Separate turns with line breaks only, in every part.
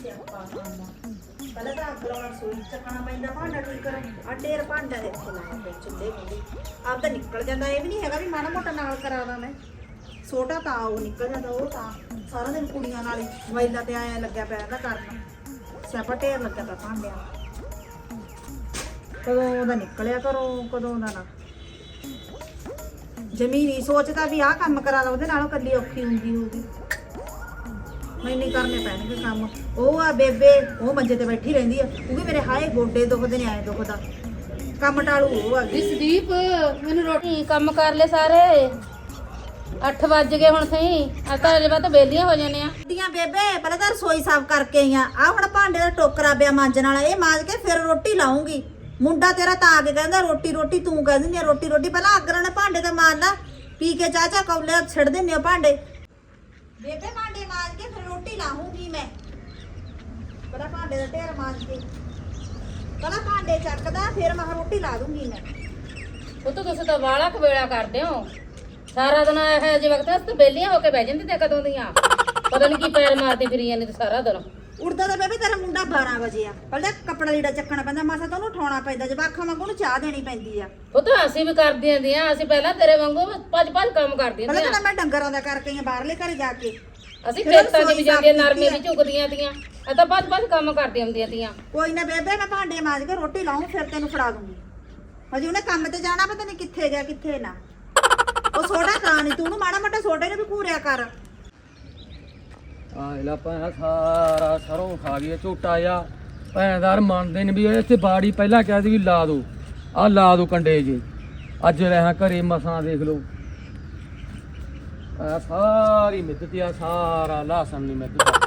ਸਿਆਪਾ ਖਾਂਦਾ ਪਹਿਲਾਂ ਤਾਂ ਅੱਗ ਲਾਉਣਾ ਰਸੋਈ ਚੱਕਣਾ ਪੈਂਦਾ ਭਾਂਡਾ ਠੀਕ ਕਰ ਆ ਢੇਰ ਭਾਂਡਾ ਦੇ ਇੱਥੇ ਲਾਇਆ ਪਿਆ ਚੁੱਲ੍ਹੇ ਮੂਹਰੇ ਆਪ ਤਾਂ ਨਿਕਲ ਜਾਂਦਾ ਇਹ ਵੀ ਨਹੀਂ ਹੈਗਾ ਵੀ ਮਾੜਾ ਮੋਟਾ ਨਾਲ ਕਰਾਦਾ ਮੈਂ ਛੋਟਾ ਤਾਂ ਉਹ ਨਿਕਲ ਜਾਂਦਾ ਉਹ ਤਾਂ ਸਾਰਾ ਦਿਨ ਕੁੜੀਆਂ ਨਾਲ ਹੀ ਮੋਬਾਈਲਾਂ ਤੇ ਆਇਆ ਲੱਗਿਆ ਪਿਆ ਇਹਦਾ ਕਰਨ ਸਿਆਪਾ ਢੇਰ ਲੱਗਿਆ ਪਿਆ ਭਾਂਡਿਆਂ ਕਦੋਂ ਉਹਦਾ ਨਿਕਲਿਆ ਕਰੋ ਕਦੋਂ ਦਾ ਨਾ ਜ਼ਮੀਨ ਹੀ ਸੋਚਦਾ ਵੀ ਆਹ ਕੰਮ ਕਰਾ ਲਾ ਉਹਦੇ ਨਾਲੋਂ ਕੱਲੀ ਔਖੀ ਹੁੰਦੀ ਹੋਊਗੀ ਮੈਨੂੰ ਕਰਨੇ ਪੈਣਗੇ ਕੰਮ ਉਹ ਆ ਬੇਬੇ ਉਹ ਮੰਜੇ ਤੇ ਬੈਠੀ ਰਹਿੰਦੀ ਆ ਉਹ ਵੀ ਮੇਰੇ ਹਾਏ ਗੋਡੇ ਦੁਖਦੇ ਨੇ ਆਏ ਦੁਖਦਾ ਕੰਮ ਟਾਲੂ ਉਹ ਆ ਗਈ
ਸੰਦੀਪ ਮੈਨੂੰ ਰੋਟੀ ਕੰਮ ਕਰ ਲੈ ਸਾਰੇ 8 ਵੱਜ ਗਏ ਹੁਣ ਸਹੀ ਆ ਤਾਂ ਅਜੇ ਬਾਅਦ ਬੇਲੀਆਂ ਹੋ ਜਾਣੇ ਆ
ਦੀਆਂ ਬੇਬੇ ਪਹਿਲਾਂ ਤਾਂ ਰਸੋਈ ਸਾਫ਼ ਕਰਕੇ ਆਈ ਆ ਹੁਣ ਭਾਂਡੇ ਦਾ ਟੋਕਰਾ ਪਿਆ ਮਾਂਜਣ ਵਾਲਾ ਇਹ ਮਾਂਜ ਕੇ ਫਿਰ ਰੋਟੀ ਲਾਉਂਗੀ ਮੁੰਡਾ ਤੇਰਾ ਤਾਂ ਆ ਕੇ ਕਹਿੰਦਾ ਰੋਟੀ ਰੋਟੀ ਤੂੰ ਕਹਿ ਦਿੰਦੀ ਆ ਰੋਟੀ ਰੋਟੀ ਪਹਿਲਾਂ ਅੱਗ ਨਾਲ ਭਾਂਡੇ ਤੇ ਮਾਰ ਲਾ ਪੀ ਕੇ ਚਾਚਾ ਕੌਲੇ ਛੱਡ ਦਿੰਦੇ ਆ ਭਾਂਡੇ ਬੇਬੇ ਭਾਂਡੇ ਮਾਂਜ ਕੇ ਫਿਰ ਰੋਟੀ ਲਾਹੂੰਗੀ ਮੈਂ ਪਹਿਲਾਂ ਭਾਂਡੇ ਦਾ ਢੇਰ ਮਾਂਜ ਕੇ ਪਹਿਲਾਂ ਭਾਂਡੇ ਚੱਕਦਾ ਫਿਰ ਮੈਂ ਰੋਟੀ ਲਾ ਦੂੰਗੀ ਮੈਂ
ਉਹ ਤਾਂ ਤੁਸੀਂ ਤਾਂ ਵਾਲਾ ਕਵੇਲਾ ਕਰਦੇ ਹੋ ਸਾਰਾ ਦਿਨ ਇਹੋ ਜਿਹੇ ਵਕਤ ਤੇ ਬੇਲੀਆਂ ਹੋ ਕੇ ਬਹਿ ਜਾਂਦੀ ਤੇ ਕਦੋਂ ਦੀਆਂ ਪਤਾ ਨਹੀਂ ਕੀ ਪੈਰ ਮਾਰਦੀ ਫਿਰੀ ਜਾਂਦੀ ਤੇ ਸਾਰਾ ਦਿਨ
ਉੜਦਾ ਤਾਂ ਬੇਬੇ ਤੇਰਾ ਮੁੰਡਾ 12 ਵਜੇ ਆ ਪਹਿਲਾਂ ਕੱਪੜਾ ਲੀੜਾ ਚੱਕਣਾ ਪੈਂਦਾ ਮਾਸਾ ਤਾਂ ਉਹਨੂੰ ਉਠਾਉਣਾ ਪੈਂਦਾ ਜਵਾਖਾਂ ਵਾਂਗੂ ਉਹਨੂੰ ਚਾਹ ਦੇਣੀ ਪੈਂਦੀ ਆ
ਉਹ ਤਾਂ ਅਸੀਂ ਵੀ ਕਰਦੀਆਂ ਦੀਆਂ ਅਸੀਂ ਪਹਿਲਾਂ ਤੇਰੇ ਵਾਂਗੂ ਭੱਜ ਕੰਮ ਕਰਦੀਆਂ
ਪਹਿਲਾਂ
ਦੀਆਂ
ਤਾਂ ਮੈਂ ਡੰਗਰਾਂ ਦਾ ਕਰਕੇ ਆਈ ਬਾਹਰਲੇ ਘਰੇ ਜਾ ਕੇ
ਅਸੀਂ ਖੇਤਾਂ 'ਚ ਵੀ ਜਾਂਦੀਆਂ ਨਰਮੇ ਦੀ ਝੁਕਦੀਆਂ ਦੀਆਂ ਆ ਤਾਂ ਭੱਜ ਕੰਮ ਕਰਦੀਆਂ ਹੁੰਦੀਆਂ ਦੀਆਂ
ਕੋਈ ਨਾ ਬੇਬੇ ਮੈਂ ਭਾਂਡੇ ਮਾਂਜ ਕੇ ਰੋਟੀ ਲਾਉਂ ਫਿਰ ਤੈਨੂੰ ਫੜਾ ਦੂੰਗੀ ਹਜੇ ਉਹਨੇ ਕੰਮ ਤੇ ਜਾਣਾ ਪਤਾ ਨਹੀਂ ਕਿੱਥੇ ਗਿਆ ਕਿੱਥੇ ਨਾ ਉਹ ਸੋਡਾ ਖਾ ਨਹੀਂ ਤੂੰ ਉਹਨੂੰ ਮਾੜਾ ਮੋਟਾ ਸੋਡੇ ਨੂੰ ਵੀ ਘੂਰਿਆ ਕਰ
ਆ ਇਹਲਾ ਭੈਣਾ ਸਾਰਾ ਸਰੋਂ ਖਾ ਗਿਆ ਝੋਟਾ ਆ ਭੈਣਦਾਰ ਮੰਨਦੇ ਨੇ ਵੀ ਇੱਥੇ ਬਾੜੀ ਪਹਿਲਾਂ ਕਿਹਾ ਸੀ ਵੀ ਲਾ ਦੋ ਆ ਲਾ ਦੋ ਕੰਡੇ ਜੀ ਅੱਜ ਰਹਾ ਘਰੇ ਮਸਾਂ ਦੇਖ ਲਓ ਆ ਸਾਰੀ ਮਿੱਦਤ ਆ ਸਾਰਾ ਲਾਸਨ ਨਹੀਂ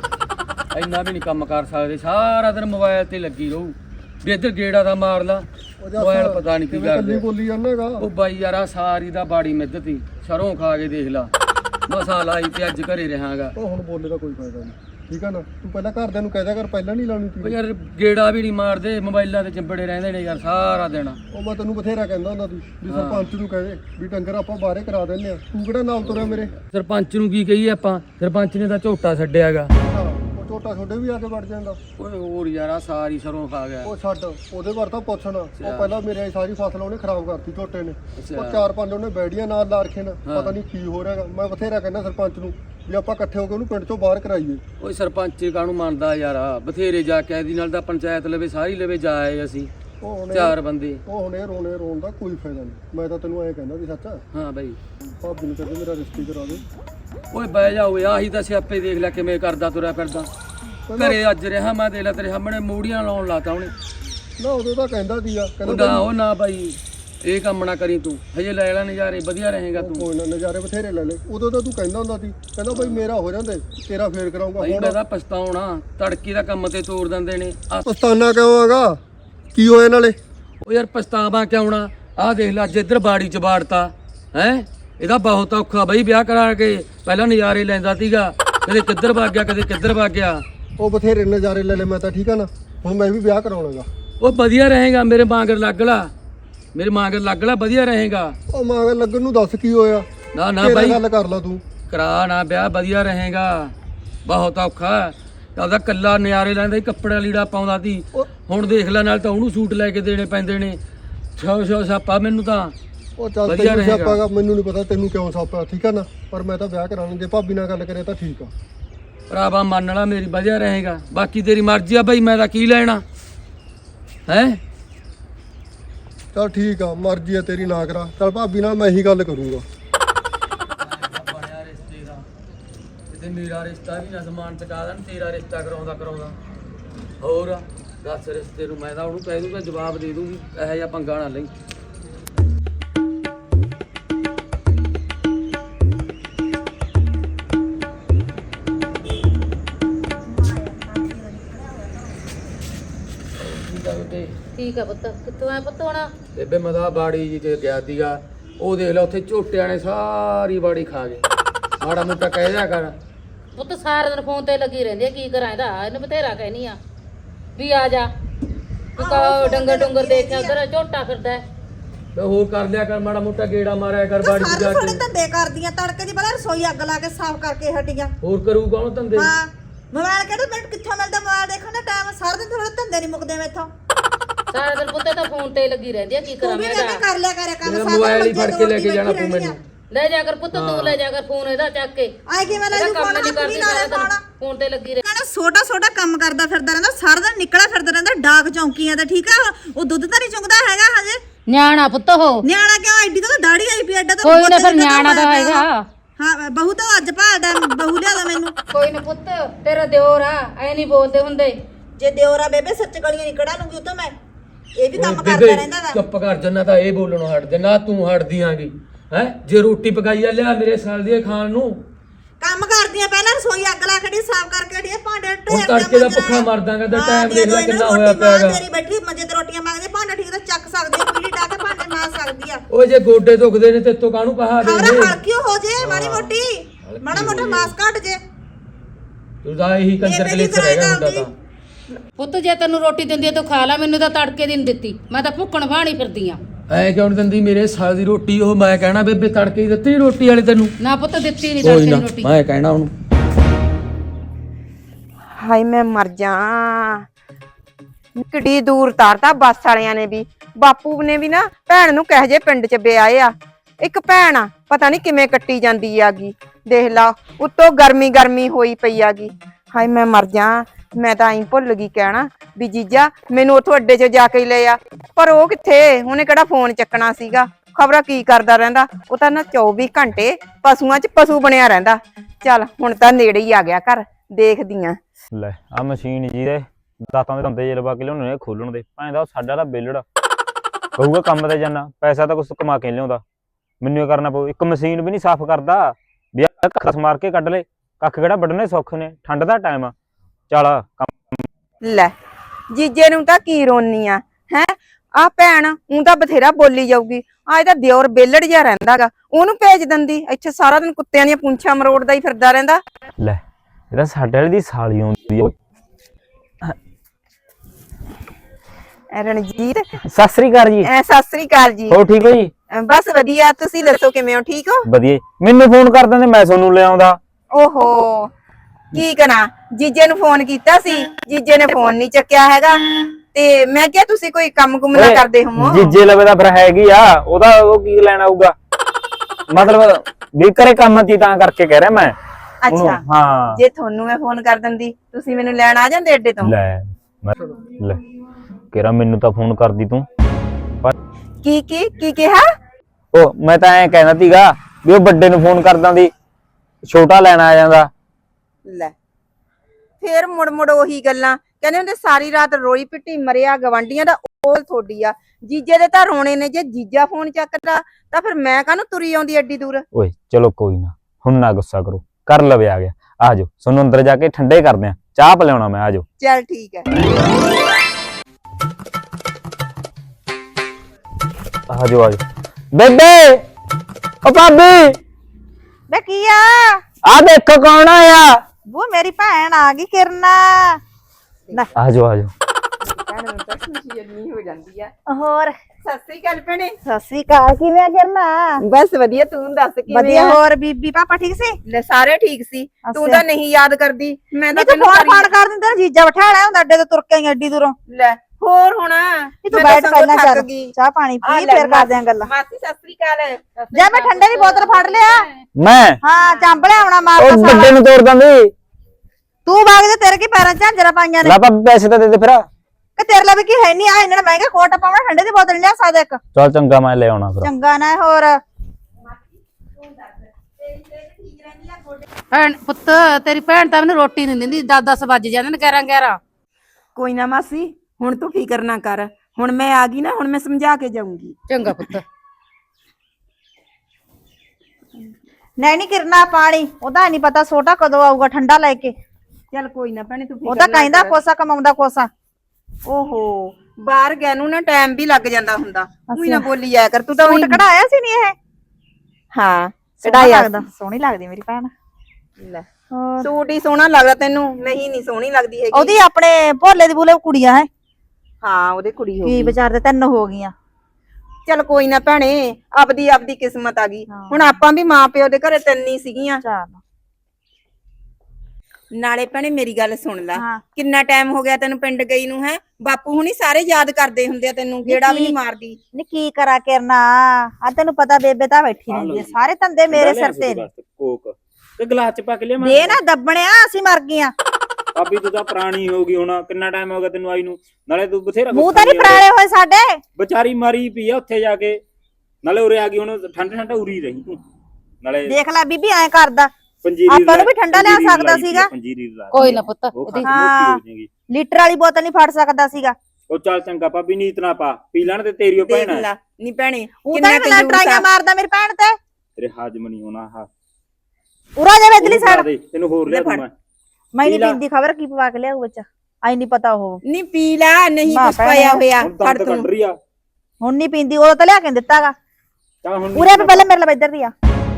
ਮਿੱਦਤ ਇੰਨਾ ਵੀ ਨਹੀਂ ਕੰਮ ਕਰ ਸਕਦੇ ਸਾਰਾ ਦਿਨ ਮੋਬਾਈਲ ਤੇ ਲੱਗੀ ਰਹੂ ਵੀ ਇੱਧਰ ਗੇੜਾ ਦਾ ਮਾਰ ਲਾ ਮੋਬਾਈਲ ਪਤਾ ਨਹੀਂ ਕੀ ਕਰਦੇ
ਬੋਲੀ ਜਾਂਦਾਗਾ
ਉਹ ਬਾਈ ਯਾਰ ਆ ਸਾਰੀ ਦਾ ਬਾੜੀ ਮਿੱਦਤ ਹੀ ਸਰੋਂ ਖਾ ਕੇ ਦੇਖ ਲਾ ਮਸਾ ਲਾਈ ਤੇ ਅੱਜ ਘਰੇ ਰਹਾਂਗਾ
ਉਹ ਹੁਣ ਬੋਲੇ ਦਾ ਕੋਈ ਫਾਇਦਾ ਨਹੀਂ ਠੀਕ ਆ ਨਾ ਤੂੰ ਪਹਿਲਾਂ ਘਰਦਿਆਂ ਨੂੰ ਕਹਿ ਦਿਆ ਕਰ ਪਹਿਲਾਂ ਨਹੀਂ ਲਾਉਣੀ
ਉਹ
ਤੀ
ਯਾਰ ਗੇੜਾ ਵੀ ਨਹੀਂ ਮਾਰਦੇ ਮੋਬਾਈਲਾਂ ਤੇ ਚਿੰਬੜੇ ਰਹਿੰਦੇ ਨੇ ਯਾਰ ਸਾਰਾ ਦਿਨ
ਉਹ ਮੈਂ ਤੈਨੂੰ ਬਥੇਰਾ ਕਹਿੰਦਾ ਹੁੰਦਾ ਸੀ ਵੀ ਸਰਪੰਚ ਨੂੰ ਕਹੇ ਵੀ ਡੰਗਰ ਆਪਾਂ ਬਾਹਰੇ ਕਰਾ ਦਿੰਦੇ ਆ ਤੂੰ ਕਿਹੜਾ ਨਾਲ ਤੁਰਿਆ ਮੇਰੇ
ਸਰਪੰਚ ਨੂੰ ਕੀ ਕਹੀਏ ਆਪਾਂ ਸਰਪੰਚ ਨੇ ਤਾਂ ਝੋਟਾ ਛੱਡਿਆਗਾ
ਉਹ ਝੋਟਾ ਛੋਡੇ ਵੀ ਆ ਕੇ ਵੜ ਜਾਂਦਾ
ਓਏ ਹੋਰ ਯਾਰ ਆ ਸਾਰੀ ਸਰੋਂ ਖਾ ਗਿਆ
ਉਹ ਛੱਡ ਉਹਦੇ ਬਾਰੇ ਤਾਂ ਪੁੱਛਣਾ ਉਹ ਪਹਿਲਾਂ ਮੇਰੇ ਸਾਰੀ ਫਸਲ ਉਹਨੇ ਖਰਾਬ ਕਰਤੀ ਝੋਟੇ ਨੇ ਉਹ
ਅੱਛਾ।
4-5 ਉਹਨੇ ਬੈੜੀਆਂ ਨਾਲ ਲਾ ਰੱਖੇ ਨੇ ਪਤਾ ਨਹੀਂ ਕੀ ਹੋ ਰਿਹਾਗਾ ਮੈਂ ਬਥੇਰਾ ਕਹਿੰਦਾ ਸਰਪੰਚ ਨੂੰ ਵੀ ਆਪਾਂ ਇਕੱਠੇ ਹੋ ਕੇ ਉਹਨੂੰ ਪਿੰਡ ਚੋਂ ਬਾਹਰ ਕਰਾਈਏ
ਓਏ ਸਰਪੰਚ ਕਾਹਨੂੰ ਮੰਨਦਾ ਯਾਰ ਬਥੇਰੇ ਜਾ ਕੇ ਇਹਦੀ ਨਾਲ ਤਾਂ ਪੰਚਾਇਤ ਲਵੇ ਸਾਰੀ ਲਵੇ ਜਾ ਆਏ ਅਸੀਂ
ਉਹ ਹੁਣ
4 ਬੰਦੇ
ਉਹ ਹੁਣ ਇਹ ਰੋਣ ਦਾ ਕੋਈ ਫਾਇਦਾ ਨਹੀਂ ਮੈਂ ਤਾਂ ਤੈਨੂੰ ਐਂ ਕਹਿੰਦਾ ਵੀ ਸੱਚ
ਹਾਂ ਬਾਈ
ਭਾਬੀ ਨੂੰ ਕਹਿੰਦੇ ਮੇਰਾ ਰਿਸ਼ਤੇ ਕਰਾ ਦੇ
ਓਏ ਬਹਿ ਜਾ ਓਏ ਆਹੀ ਤਾਂ ਸਿਆਪੇ ਦੇਖ ਲੈ ਕਿਵੇਂ ਕਰਦਾ ਤੁਰਿਆ ਫਿਰਦਾ ਘਰੇ ਅੱਜ ਰਿਹਾ ਮੈਂ ਦੇਖ ਲੈ ਤੇਰੇ ਸਾਹਮਣੇ ਮੂੜੀਆਂ ਲਾਉਣ ਲਾਤਾ ਉਹਨੇ
ਨਾ ਉਦੋਂ ਤਾਂ ਕਹਿੰਦਾ ਸੀਗਾ
ਉਹ ਨਾ ਬਾਈ ਇਹ ਕੰਮ ਨਾ ਕਰੀ ਤੂੰ ਹਜੇ ਲੈ ਲੈ ਨਜ਼ਾਰੇ ਵਧੀਆ ਰਹੇਗਾ ਤੂੰ
ਕੋਈ ਨਾ ਨਜ਼ਾਰੇ ਬਥੇਰੇ ਲੈ ਲੈ ਉਦੋਂ ਤਾਂ ਤੂੰ ਕਹਿੰਦਾ ਹੁੰਦਾ ਸੀ ਕਹਿੰਦਾ ਬਈ ਮੇਰਾ ਹੋ ਜਾਂਦੇ ਤੇਰਾ ਫੇਰ ਕਰਾਉਂਗਾ
ਬਾਈ ਮੈਂ ਤਾਂ ਪਛਤਾਉਣਾ ਤੜਕੀ ਦਾ ਕੰਮ ਤੇ ਤੋੜ ਦਿੰਦੇ ਨੇ
ਪਛਤਾਨਾ ਕਿਉਂ ਆਗਾ ਕੀ ਹੋਇਆ ਨਾਲੇ
ਉਹ ਯਾਰ ਪਛਤਾਵਾ ਕਿਉਂ ਨਾ ਆਹ ਦੇਖ ਲੈ ਅੱਜ ਇੱਧਰ ਬਾੜੀ ਚ ਬਾੜਤਾ ਹੈ ਇਹਦਾ ਬਹੁਤ ਔਖਾ ਬਈ ਵਿਆਹ ਕਰਾ ਕੇ ਪਹਿਲਾਂ ਨਜ਼ਾਰੇ ਲੈਂਦਾ ਸੀਗਾ ਕਦੇ ਕਿੱਧਰ ਵਗ ਗਿਆ ਕਦੇ ਕਿੱਧਰ ਵਗ ਗਿਆ
ਉਹ ਬਥੇਰੇ ਨਜ਼ਾਰੇ ਲੈ ਲੈ ਮੈਂ ਤਾਂ ਠੀਕ ਆ ਨਾ ਹੁਣ ਮੈਂ ਵੀ ਵਿਆਹ ਕਰਾਉਣਾਗਾ
ਉਹ ਵਧੀਆ ਰਹੇਗਾ ਮੇਰੇ ਮਾਂਗਰ ਲੱਗ ਲਾ ਮੇਰੇ ਮਾਂਗਰ ਲੱਗ ਲਾ ਵਧੀਆ ਰਹੇਗਾ
ਉਹ ਮਾਂ ਲੱਗਣ ਨੂੰ ਦੱਸ ਕੀ ਹੋਇਆ
ਨਾ ਨਾ
ਤੇਰਾ
ਬਾਈ
ਗੱਲ ਕਰ ਲਾ ਤੂੰ
ਕਰਾ ਨਾ ਵਿਆਹ ਵਧੀਆ ਰਹੇਗਾ ਬਹੁਤ ਔਖਾ ਉਹਦਾ ਕੱਲਾ ਨਜ਼ਾਰੇ ਲੈਂਦਾ ਸੀ ਕੱਪੜਾ ਲੀੜਾ ਪਾਉਂਦਾ ਸੀ ਹੁਣ ਦੇਖ ਲੈ ਨਾਲ ਤਾਂ ਉਹਨੂੰ ਸੂਟ ਲੈ ਕੇ ਦੇਣੇ ਪੈਂਦੇ ਨੇ ਛੋ ਸਾਪਾ ਮੈਨੂੰ ਤਾਂ
ਉਹ ਚੱਲ
ਵਧੀਆ
ਤੈਨੂੰ
ਰਹੇਗਾ।
ਸਿਆਪਾਗਾ ਮੈਨੂੰ ਨਹੀਂ ਪਤਾ ਤੈਨੂੰ ਕਿਉਂ ਸਾਪਾ ਠੀਕ ਆ ਨਾ ਪਰ ਮੈਂ ਤਾਂ ਵਿਆਹ ਕਰਾਉਣਾ ਜੇ ਭਾਬੀ ਨਾਲ ਗੱਲ ਕਰੇ ਤਾਂ ਠੀਕ ਆ
ਭਰਾਵਾ ਮੰਨ ਲਾ ਮੇਰੀ ਵਧੀਆ ਰਹੇਗਾ ਬਾਕੀ ਤੇਰੀ ਮਰਜ਼ੀ ਆ ਬਈ ਮੈਂ ਤਾਂ ਕੀ ਲੈਣਾ ਹੈ
ਚੱਲ ਠੀਕ ਆ ਮਰਜ਼ੀ ਆ ਤੇਰੀ ਨਾ ਕਰਾ ਚੱਲ ਭਾਬੀ ਨਾਲ ਮੈਂ ਹੀ ਗੱਲ ਕਰੂੰਗਾ
ਬਣਿਆ ਰਿਸ਼ਤੇ ਦਾ ਤੇ ਮੇਰਾ ਰਿਸ਼ਤਾ ਵੀ ਨਾ ਜ਼ਮਾਨ ਟਕਾ ਦੇਣ ਤੇਰਾ ਰਿਸ਼ਤਾ ਕਰਾਉਂਦਾ ਹੋਰ ਦੱਸ ਰਿਸ਼ਤੇ ਨੂੰ ਮੈਂ ਤਾਂ ਉਹਨੂੰ ਕਹਿ ਦੂੰਗਾ ਜਵਾਬ ਦੇ ਦੂੰਗੀ ਇਹੋ ਜਿਹਾ ਪੰਗਾ ਨਾ ਲਈ
ਠੀਕ ਆ ਪੁੱਤ ਕਿੱਥੋਂ ਆਇਆ ਪੁੱਤ ਹੋਣਾ
ਬੇਬੇ ਮੈਂ ਤਾਂ ਬਾੜੀ ਜੀ ਤੇ ਗਿਆ ਸੀਗਾ ਉਹ ਦੇਖ ਲੈ ਉੱਥੇ ਝੋਟਿਆਂ ਨੇ ਸਾਰੀ ਬਾੜੀ ਖਾ ਗਏ ਮਾੜਾ ਮੋਟਾ ਕਹਿ ਦਿਆ ਕਰ
ਪੁੱਤ ਸਾਰਾ ਦਿਨ ਫੋਨ ਤੇ ਲੱਗੀ ਰਹਿੰਦੀ ਆ ਕੀ ਕਰਾਂ ਇਹਨੂੰ ਬਥੇਰਾ ਕਹਿਨੀ ਆ ਵੀ ਆ ਜਾ ਤੂੰ ਡੰਗਰ ਦੇਖਿਆ ਉਧਰ ਝੋਟਾ ਫਿਰਦਾ ਹੈ
ਤੇ ਹੋਰ ਕਰ ਲਿਆ ਕਰ ਮਾੜਾ ਮੋਟਾ ਗੇੜਾ ਮਾਰਿਆ ਕਰ ਬਾੜੀ 'ਚ ਜਾ
ਸਾਰੇ
ਕੇ
ਧੰਦੇ ਕਰਦੀਆਂ ਤੜਕੇ ਦੀ ਪਹਿਲਾਂ ਰਸੋਈ ਅੱਗ ਲਾ ਕੇ ਸਾਫ਼ ਕਰਕੇ ਹਟੀਆਂ
ਹੋਰ ਕਰੂ ਕੌਣ ਧੰਦੇ
ਹਾਂ ਮੋਬਾਈਲ ਕਿਹੜੇ ਮਿੰਟ ਕਿੱਥੋਂ ਮਿਲਦਾ ਮੋਬਾਈਲ ਧੰਦੇ ਨਹੀਂ ਮੁੱਕਦੇ ਮੈਥੋਂ।
ਸਾਰਾ ਦਿਨ ਪੁੱਤ ਤਾਂ ਫੋਨ ਤੇ ਲੱਗੀ ਰਹਿੰਦੀ ਆ, ਕੀ
ਤੂੰ
ਕਰਾਂ
ਵੀ
ਮੈਂ
ਕਹਿੰਦਾ
ਇਹਦਾ?
ਕਰ ਲਿਆ ਕਰਿਆ ਕੰਮ
ਮੇਰਾ
ਸਾਰਾ
ਮੋਬਾਈਲ ਹੀ
ਮੰਜੇ
ਫੜ
ਤੇ
ਕੇ ਲੈ ਕੇ
ਰੋਟੀ
ਜਾਣਾ
ਬੈਠੀ
ਪਊ ਮੈਨੂੰ।
ਲੈ ਜਾ ਕਰ ਪੁੱਤ, ਤੂੰ ਲੈ ਜਾ ਕਰ ਫੋਨ ਇਹਦਾ ਚੱਕ ਕੇ।
ਆਏ ਕਿਵੇਂ ਲੈ
ਇਹਦਾ
ਜੂ
ਕੰਮ
ਫੋਨ
ਨਹੀਂ
ਹੱਥ
ਕਰਦੀ,
ਵੀ ਲਾ
ਸਾਰਾ
ਲੈ
ਦਿਨ
ਫੋਨ।
ਫੋਨ ਤੇ ਲੱਗੀ ਰਹਿ।
ਕਹਿੰਦਾ ਛੋਟਾ ਕੰਮ ਕਰਦਾ ਫਿਰਦਾ ਰਹਿੰਦਾ, ਸਾਰਾ ਦਿਨ ਨਿਕਲਿਆ ਫਿਰਦਾ ਰਹਿੰਦਾ ਡਾਕ ਚੌਂਕੀਆਂ ਤੇ, ਠੀਕ ਆ। ਉਹ ਦੁੱਧ ਤਾਂ ਨਹੀਂ ਚੁੰਗਦਾ ਹੈਗਾ ਹਜੇ।
ਨਿਆਣਾ ਪੁੱਤ ਹੋ,
ਨਿਆਣਾ ਕਿਉਂ? ਐਡੀ ਤਾਂ ਦਾੜੀ ਆਈ ਪਈ, ਐਡਾ ਤਾਂ
ਕੋਈ ਨਾ
ਗੋਡੇ
ਫਿਰ
ਜਿੱਡਾ
ਨਿਆਣਾ ਤਾਂ
ਹੋਇਆ ਪਿਆ।
ਹੈਗਾ।
ਹਾਂ ਬਹੂ ਤਾਂ ਅੱਜ ਭਾਲਦਾ, ਬਹੂ ਲਿਆਦਾ ਮੈਨੂੰ।
ਕੋਈ ਨਾ ਪੁੱਤ, ਤੇਰਾ ਦਿਓਰ ਆ, ਐ ਨਹੀਂ ਬੋਲਦੇ ਹੁੰਦੇ।
ਜੇ ਦਿਓਰਾ ਬੇਬੇ ਸੱਚ ਗਲੀਆਂ ਨਹੀਂ ਕਢਾ ਲੂੰਗੀ ਉਤੋਂ ਮੈਂ। ਇਹ ਵੀ ਕੰਮ
ਓਏ
ਕਰਦਾ
ਬੇਬੇ,
ਰਹਿੰਦਾ ਵਾ।
ਚੁੱਪ ਕਰ ਜੰਨਾ ਤਾਂ ਇਹ ਬੋਲਣੋਂ ਹਟ ਦੇ ਨਾ, ਤੂੰ ਹਟਦੀ ਆਂਗੀ ਹੈ। ਜੇ ਰੋਟੀ ਪਕਾਈ ਆ ਲਿਆ ਮੇਰੇ ਸਾਲ ਦੀ ਖਾਣ ਨੂੰ।
ਕੰਮ ਕਰਦੀਆਂ ਪਹਿਲਾਂ ਰਸੋਈ ਅੱਗ ਲਾ ਖੜੀ, ਸਾਫ਼ ਕਰਕੇ ਹਟੀ, ਭਾਂਡੇ ਢੇਰ
ਹੁਣ ਤੜਕੇ ਦਾ ਭੁੱਖਾ ਮਰ ਦਾਂਗਾ ਤੇ ਟਾਈਮ ਦੇਖ ਲੈ ਕਿੰਨਾ ਹੋਇਆ ਪਿਆ ਹੈਗਾ।
ਤੇਰੀ ਬੈਠੀ ਮੰਜੇ ਤੇ ਰੋਟੀਆਂ ਮੰਗਦੇ, ਭਾਂਡਾ ਠੀਕ ਤਾਂ ਚੱਕ ਸਕਦੀ ਆ, ਪੀੜੀ ਡਾ ਕੇ ਭਾਂਡੇ ਮਾਰ ਸਕਦੀ ਆ।
ਓਏ ਜੇ ਗੋਡੇ ਦੁਖਦੇ ਨੇ ਤੇ ਤੋ ਕਾਹਨੂੰ ਪਹਾ ਦੇ
ਖਬਰਾਂ
ਨੇ।
ਹਲਕੀ ਹੋ ਜੇ ਮਾੜੀ ਮੋਟੀ, ਮਾੜਾ ਮੋਟਾ ਮਾਸ ਘਟ ਜੇ।
ਤੂੰ ਤਾਂ ਇਹੀ ਕੰਜਰ ਕਲੇਸ ਰਹਿ ਗਿਆ ਮੁੰਡਾ ਤਾਂ।
ਪੁੱਤ ਜੇ ਤੈਨੂੰ ਰੋਟੀ ਦਿੰਦੀ ਆ ਤੂੰ ਖਾ ਲੈ, ਮੈਨੂੰ ਤਾਂ ਤੜਕੇ ਦੀ ਨੀ ਦਿੱਤੀ, ਮੈਂ ਤਾਂ ਭੁੱਖਣ ਭਾਣੀ ਫਿਰਦੀ ਆ।
ਐ ਕਿਉਂ ਨੀ ਦਿੰਦੀ ਮੇਰੇ ਸਾਲ ਦੀ ਰੋਟੀ? ਉਹ ਮੈਂ ਕਹਿਣਾ ਬੇਬੇ ਤੜਕੇ ਹੀ ਦਿੱਤੀ ਰੋਟੀ ਵਾਲੇ ਤੈਨੂੰ।
ਨਾ ਪੁੱਤ ਦਿੱਤੀ ਨਹੀਂ
ਕੋਈ
ਤੜਕੇ
ਨਾ
ਦੀ ਰੋਟੀ।
ਮੈਂ ਕਹਿਣਾ ਉਹਨੂੰ।
ਹਾਏ ਮੈਂ ਮਰ ਜਾ, ਕਿੱਡੀ ਦੂਰ ਤਾਰਤਾ ਬੱਸ ਵਾਲਿਆਂ ਨੇ ਵੀ। ਬਾਪੂ ਨੇ ਵੀ ਨਾ ਭੈਣ ਨੂੰ ਕਹੇ ਜੇ ਪਿੰਡ ਚ ਵਿਆਹੇ ਆ। ਇੱਕ ਭੈਣ ਆ, ਪਤਾ ਨਹੀਂ ਕਿਵੇਂ ਕੱਟੀ ਜਾਂਦੀ ਆਗੀ, ਦੇਖ ਲਾ ਉੱਤੋਂ ਗਰਮੀ ਹੋਈ ਪਈ ਆਗੀ। ਹਾਏ ਮੈਂ ਮਰ ਜਾ, ਮੈਂ ਤਾਂ ਐਂ ਭੁੱਲ ਗਈ ਕਹਿਣਾ ਵੀ ਜੀਜਾ ਮੈਨੂੰ ਉੱਥੋਂ ਅੱਡੇ 'ਚ ਜਾ ਕੇ ਹੀ ਲੈ ਆ। ਪਰ ਉਹ ਕਿੱਥੇ, ਉਹਨੇ ਕਿਹੜਾ ਫੋਨ ਚੱਕਣਾ ਸੀਗਾ। ਖਬਰਾਂ ਕੀ ਕਰਦਾ ਰਹਿੰਦਾ, ਉਹ ਤਾਂ ਨਾ 24 ਘੰਟੇ ਪਸ਼ੂਆਂ 'ਚ ਪਸ਼ੂ ਬਣਿਆ ਰਹਿੰਦਾ। ਚੱਲ ਹੁਣ ਤਾਂ ਨੇੜੇ ਹੀ ਆ ਗਿਆ ਘਰ, ਦੇਖਦੀ ਆਂ।
ਲੈ ਆ ਮਸ਼ੀਨ ਜੀ ਦੇ ਦਾਤਾਂ ਦੇ ਦੰਦੇ ਜਲਵਾ ਕੇ ਲਿਆਉਣੇ ਨੇ ਖੋਲਣ ਦੇ। ਭਾਂ ਦਾ ਸਾਡਾ ਦਾ ਬੇਲੜ ਕਹੂਗਾ ਕੰਮ ਤੇ ਜਾਣਾ, ਪੈਸਾ ਤਾਂ ਕੁਛ ਕਮਾ ਕੇ ਲਿਆਉਂਦਾ, ਮੈਨੂੰ ਇਹ ਕਰਨਾ ਪਊ। ਇੱਕ ਮਸ਼ੀਨ ਵੀ ਨਹੀਂ ਸਾਫ਼ ਕਰਦਾ ਵੀ ਕੱਖ ਮਾਰ ਕੇ ਕੱਢ ਲੈ। ਕੱਖ ਕਿਹੜਾ ਵੱਢਣੇ ਸੌਖੇ ਨੇ, ਠੰਡ ਦਾ ਟਾਈਮ ਆ। ਚੱਲ
ਲੈ ਜੀਜੇ ਨੂੰ ਤਾਂ ਕੀ ਰੋਨੀ ਆ ਹੈ। ਆ ਭੈਣ ਉਹ ਤਾਂ ਬਥੇਰਾ ਬੋਲੀ ਜਾਊਗੀ, ਆ ਇਹਦਾ ਦਿਓਰ ਬੇਲੜ ਜਿਹਾ ਰਹਿੰਦਾਗਾ, ਉਹਨੂੰ ਭੇਜ ਦਿੰਦੀ। ਇੱਥੇ ਸਾਰਾ ਦਿਨ ਕੁੱਤਿਆਂ ਦੀਆਂ ਪੂੰਛਾਂ ਮਰੋੜਦਾ ਹੀ ਫਿਰਦਾ ਰਹਿੰਦਾ।
ਲੈ ਇਹਦਾ ਸਾਡੇ ਵਾਲੀ ਦੀ ਸਾਲੀ ਆਉਂਦੀ ਆ।
ਰਣਜੀਤ
ਸਤਿ ਸ੍ਰੀ ਅਕਾਲ ਜੀ।
ਸਤਿ ਸ੍ਰੀ ਅਕਾਲ ਜੀ।
ਹੋ ਠੀਕ ਹੋ ਜੀ?
ਬਸ ਵਧੀਆ, ਤੁਸੀਂ ਦੱਸੋ ਕਿਵੇਂ ਹੋ? ਠੀਕ ਹੋ?
ਵਧੀਆ। ਮੈਨੂੰ ਫੋਨ ਕਰ ਦਿੰਦੇ ਮੈਂ ਤੁਹਾਨੂੰ ਲੈ ਆਉਂਦਾ।
ਓਹੋ ਕੀ ਕਰਾਂ, ਜੀਜੇ ਨੂੰ ਫੋਨ ਕੀਤਾ ਸੀ, ਜੀਜੇ ਨੇ ਫੋਨ ਨਹੀਂ ਚੱਕਿਆ ਹੈਗਾ, ਤੇ ਮੈਂ ਕਿਹਾ ਤੁਸੀਂ ਕੋਈ ਕੰਮ ਕੁਮ ਨਾ ਕਰਦੇ ਹੋਵੋ।
ਜੀਜੇ ਲਵੇ ਤਾਂ ਫਿਰ ਹੈਗੀ ਆ, ਉਹਦਾ ਉਹ ਕੀ ਲੈਣ ਆਊਗਾ, ਮਤਲਬ ਵੀ ਕਰੇ ਕੰਮ ਤੀ ਤਾਂ ਕਰਕੇ ਕਹਿ ਰਿਹਾ ਮੈਂ।
ਅੱਛਾ
ਹਾਂ
ਜੇ ਤੁਹਾਨੂੰ ਮੈਂ ਫੋਨ ਕਰ ਦਿੰਦੀ ਤੁਸੀਂ ਮੈਨੂੰ ਲੈਣ ਆ ਜਾਂਦੇ ਅੱਡੇ ਤੋਂ।
ਲੈ ਲੈ ਕਿਹੜਾ ਮੈਨੂੰ ਤਾਂ ਫੋਨ ਕਰਦੀ ਤੂੰ।
ਕੀ ਕਿਹਾ?
ਉਹ ਮੈਂ ਤਾਂ ਐਂ ਕਹਿੰਦਾ ਸੀਗਾ ਵੀ ਉਹ ਵੱਡੇ ਨੂੰ ਫੋਨ ਕਰਦਾ ਦੀ, ਛੋਟਾ ਲੈਣ ਆ ਜਾਂਦਾ।
ਲੈ ਫੇਰ ਮੁੜ ਉਹੀ ਗੱਲਾਂ, ਕਹਿੰਦੇ ਹੁੰਦੇ ਸਾਰੀ ਰਾਤ ਰੋਈ ਪਿੱਟੀ ਮਰਿਆ ਗਵਾਂਢੀਆਂ ਦਾ, ਉਹ ਥੋੜੀ ਆ। ਜੀਜੇ ਦੇ ਤਾਂ ਰੋਣੇ ਨੇ, ਜੇ ਜੀਜਾ ਫੋਨ ਚੱਕਦਾ ਤਾਂ ਫਿਰ ਮੈਂ ਕਾਹਨੂੰ ਤੁਰੀ ਆਉਂਦੀ ਐਡੀ ਦੂਰ।
ਓਏ ਚਲੋ ਕੋਈ ਨਾ, ਹੁਣ ਨਾ ਗੁੱਸਾ ਕਰੋ, ਕਰ ਲਵੇ ਆ ਗਿਆ। ਆ ਜਾਓ ਤੁਹਾਨੂੰ ਅੰਦਰ ਜਾ ਕੇ ਠੰਡੇ ਕਰਦੇ ਆ, ਚਾਹ ਪਿਲਾਉਣਾ ਮੈਂ। ਆ ਜਾਓ।
ਚੱਲ ਠੀਕ ਹੈ।
ਆ ਜਾਓ ਆ ਜਾਓ। ਬੇਬੇ ਓ ਭਾਬੀ
ਬੇ ਕੀ ਆ?
ਆ ਦੇਖੋ ਕੌਣ ਆਇਆ।
ਉਹ ਮੇਰੀ ਭੈਣ ਆ ਗਈ ਕਿਰਨਾ।
ਆ ਜਾਓ ਆ ਜਾਓ।
ਭੈਣ ਨੂੰ ਤਾਂ ਖੁਸ਼ੀ ਇੰਨੀ ਹੋ ਜਾਂਦੀ ਆ।
ਹੋਰ
ਸਤਿ ਸ੍ਰੀ ਅਕਾਲ ਭੈਣੇ।
ਸਤਿ ਸ੍ਰੀ ਅਕਾਲ, ਕਿਵੇਂ ਆ ਕਿਰਨਾ?
ਬਸ ਵਧੀਆ, ਤੂੰ ਦੱਸ ਕਿਵੇਂ
ਵਧੀਆ।
ਆ?
ਹੋਰ ਬੀਬੀ ਪਾਪਾ ਠੀਕ ਸੀ?
ਲੈ ਸਾਰੇ ਠੀਕ ਸੀ, ਤੂੰ
ਅੱਛਾ।
ਤਾਂ ਨਹੀਂ ਯਾਦ ਕਰਦੀ। ਮੈਂ ਤਾਂ
ਤੂੰ
ਤੈਨੂੰ
ਫੋਨ ਕਰ ਦਿੰਦਾ, ਜੀਜਾ ਬਿਠਾ ਲਿਆ ਹੁੰਦਾ ਅੱਡੇ ਤੋਂ ਤੁਰ ਕੇ ਆਈ ਐਡੀ ਦੂਰੋਂ।
ਲੈ ਹੋਰ ਹੁਣ
ਤੂੰ ਬੈਠ ਪਹਿਲਾਂ, ਚੱਲ
ਗਈ।
ਚਾਹ ਪਾਣੀ
ਆ
ਪੀ
ਲੈ
ਫੇਰ ਕਰਦੇ ਆਂ ਗੱਲਾਂ।
ਮਾਸੀ ਸਤਿ ਸ੍ਰੀ ਅਕਾਲ।
ਜਾ ਮੈਂ ਠੰਡੇ ਦੀ ਬੋਤਲ ਫੜ ਲਿਆ।
ਮੈਂ
ਹਾਂ ਚਾਂਬਲਿਆ ਆਉਣਾ
ਉਹ
ਮਾਰਦਾ
ਵੱਡੇ
ਸਾਰਾ।
ਨੂੰ ਤੋੜ ਦਿੰਦੀ।
ਤੂੰ ਵਗ ਜਾ, ਤੇਰੇ ਕੀ ਪੈਰਾਂ 'ਚ ਝਾਂਜਰਾਂ ਪਾਈਆਂ ਨੇ?
ਲੈ ਭਾਬੀ ਪੈਸੇ ਤਾਂ ਦੇ ਦੇ ਫਿਰ।
ਕਿ ਤੇਰੇ ਲਈ ਵੀ ਕੀ ਹੈ ਨਹੀਂ? ਆ ਇਹਨਾਂ ਨੇ ਮਹਿੰਗਾ ਕੋਟ ਪਾਉਣਾ, ਠੰਡੇ ਦੀ ਬੋਤਲ ਲਿਆ ਸਕਦਾ ਇੱਕ।
ਚੱਲ ਚੰਗਾ ਮੈਂ ਲੈ ਆਉਣਾ ਫਿਰ।
ਚੰਗਾ ਨਾ ਹੋਰ।
ਭੈਣ ਪੁੱਤ ਤੇਰੀ ਭੈਣ ਤਾਂ ਮੈਨੂੰ ਰੋਟੀ ਨਹੀਂ ਦਿੰਦੀ, 10 ਵੱਜ ਜਾਂਦੇ ਨੇ 11
ਕੋਈ ਨਾ ਮਾਸੀ, ਹੁਣ ਤੂੰ ਫਿਕਰ ਨਾ ਕਰ, ਹੁਣ ਮੈਂ ਆ ਗਈ ਨਾ, ਹੁਣ ਮੈਂ ਸਮਝਾ ਕੇ ਜਾਊਂਗੀ।
ਚੰਗਾ ਪੁੱਤ।
ਨਹੀਂ ਕਿਰਨਾ ਪਾਣੀ, ਉਹਦਾ ਨਹੀਂ ਪਤਾ ਛੋਟਾ ਕਦੋਂ ਆਊਗਾ ਠੰਡਾ ਲੈ ਕੇ।
ਚੱਲ ਕੋਈ ਨਾ ਭੈਣੇ, ਤੂੰ
ਉਹ ਤਾਂ ਕਹਿੰਦਾ ਕੋਸਾ ਕਮਾਉਂਦਾ ਕੋਸਾ।
ਓਹੋ ਬਾਹਰ ਗਿਆ ਨੂੰ ਨਾ ਟਾਈਮ ਵੀ ਲੱਗ ਜਾਂਦਾ ਹੁੰਦਾ। ਉਹੀ ਨਾ ਬੋਲੀ ਜਾਇਆ ਕਰ, ਤੂੰ ਤਾਂ
ਸੂਟ ਕਢਾਇਆ ਸੀ ਨਹੀਂ ਇਹ?
ਹਾਂ
ਕਢਾਇਆ ਲੱਗਦਾ, ਸੋਹਣੀ ਲੱਗਦੀ ਮੇਰੀ ਭੈਣ।
ਲੈ
ਹੋਰ
ਸੂਟ ਹੀ ਸੋਹਣਾ ਲੱਗਦਾ ਤੈਨੂੰ, ਨਹੀਂ ਸੋਹਣੀ ਲੱਗਦੀ ਹੈਗੀ।
ਉਹਦੀ ਆਪਣੇ ਭੋਲੇ ਦੀ ਬੂਲੇ ਕੁੜੀਆਂ ਹੈ।
ਹਾਂ ਉਹਦੇ ਕੁੜੀ ਹੋ
ਕੀ
ਗਈ।
ਵਿਚਾਰ ਦੇ 3 ਹੋ ਗਈਆਂ।
ਚੱਲ ਕੋਈ ਨਾ ਭੈਣੇ, ਆਪਦੀ ਕਿਸਮਤ ਆ ਗਈ। ਹੁਣ ਆਪਾਂ ਵੀ ਮਾਂ ਪਿਓ ਦੇ ਘਰੇ 3 ਹੀ ਸੀਗੀਆਂ।
ਚੱਲ
ਨਾਲੇ ਭੈਣੇ ਮੇਰੀ ਗੱਲ ਸੁਣ ਲੈ,
ਹਾਂ।
ਕਿੰਨਾ ਟਾਈਮ ਹੋ ਗਿਆ ਤੈਨੂੰ ਪਿੰਡ ਗਈ ਨੂੰ ਹੈ? ਬਾਪੂ ਹੁਣੀ ਸਾਰੇ ਯਾਦ ਕਰਦੇ ਹੁੰਦੇ ਆ ਤੈਨੂੰ, ਗੇੜਾ ਵੀ ਨਹੀਂ ਮਾਰਦੀ।
ਨੀ ਕੀ ਕਰਾਂ ਕਿਰਨਾ, ਆ ਤੈਨੂੰ ਪਤਾ ਬੇਬੇ ਤਾਂ ਬੈਠੀ ਰਹਿੰਦੀ ਆ, ਸਾਰੇ ਧੰਦੇ ਮੇਰੇ ਸਿਰ ਤੇ ਨੇ।
ਕੋਕ ਤੇ ਗਲਾਸ ਚ ਪਾ ਕੇ ਲਿਆ
ਦੇ ਨਾ ਦੱਬਣਿਆ, ਅਸੀਂ ਮਰ ਗਈਆਂ।
ਭਾਬੀ ਤੂੰ ਤਾਂ ਪੁਰਾਣੀ ਹੋ ਗਈ ਹੁਣ, ਕਿੰਨਾ ਟਾਈਮ ਹੋ ਗਿਆ ਤੈਨੂੰ ਆਈ ਨੂੰ, ਨਾਲੇ ਤੂੰ ਬਥੇਰਾ
ਮੂੰਹ ਤਾਂ ਨਹੀਂ ਫਰਾਲੇ ਹੋਏ ਸਾਡੇ।
ਵਿਚਾਰੀ ਮਾਰੀ ਪਈ ਆ ਉੱਥੇ ਜਾ ਕੇ, ਨਾਲੇ ਉਰੇ ਆ ਗਈ ਹੁਣ, ਠੰਡ ਠੰਡ ਉਰੀ ਰਹੀ ਤੂੰ, ਨਾਲੇ
ਦੇਖ ਲੈ ਬੀਬੀ ਐਂ ਕਰਦਾ,
ਪੰਜੀਰੀ
ਆਪਾਂ ਨੂੰ ਵੀ ਠੰਡਾ ਲਿਆ ਸਕਦਾ ਸੀਗਾ।
ਪੰਜੀਰੀ ਲਾ
ਕੋਈ ਨਾ ਪੁੱਤ,
ਉਹ
ਉਹਦੀ-
ਹਾਂ।
ਹੋ ਜਾਏਗੀ।
ਲੀਟਰ ਵਾਲੀ ਬੋਤਲ ਨਹੀਂ ਫੜ ਸਕਦਾ ਸੀਗਾ।
ਉਹ ਚੱਲ ਚੰਗਾ ਭਾਬੀ ਨੀਤ ਨਾ ਪਾ, ਪੀ ਲੈਣ ਤੇ ਤੇਰੀ ਉਹ
ਦੇਖ
ਭੈਣ
ਲੈ ਨੀ ਭੈਣੇ
ਉਹ ਤਾਂ
ਕਿੰਨਾ
ਮੈਨੂੰ ਟਰਾਈਆਂ ਮਾਰਦਾ ਮੇਰੀ ਭੈਣ ਤੇ।
ਤੇਰੇ ਹਾਜ਼ਮ ਨਹੀਂ ਹੋਣਾ ਆਹ
ਉਰਾ ਜੇ ਵੇਦਲੀ ਸਾੜ,
ਤੈਨੂੰ ਹੋਰ ਲਿਆ ਦੂੰ ਮੈਂ।
ਮੈਂ ਨਹੀਂ
ਪੀ ਲਾ।
ਪੀਂਦੀ, ਖਬਰ ਕੀ ਪਵਾ ਕੇ ਲਿਆਉ ਬੱਚਾ, ਆਈ ਨਹੀਂ ਪਤਾ ਉਹ।
ਨੀ ਪੀ ਲੈ, ਨਹੀਂ
ਮਾਂ
ਕੁਛ
ਭੈਣੇ,
ਪਾਇਆ ਹੋਇਆ
ਹੁਣ
ਫੜ
ਦੰਦ
ਤੂੰ।
ਕੱਢ ਰਹੀ ਆ,
ਹੁਣ ਨਹੀਂ ਪੀਂਦੀ, ਉਹ ਤਾਂ ਲਿਆ ਕੇ ਦਿੱਤਾਗਾ।
ਚੱਲ ਹੁਣ
ਉਰੇ ਵੀ ਪਹਿਲਾਂ ਮੇਰੇ ਲਈ ਇੱਧਰ ਦੀ ਆ।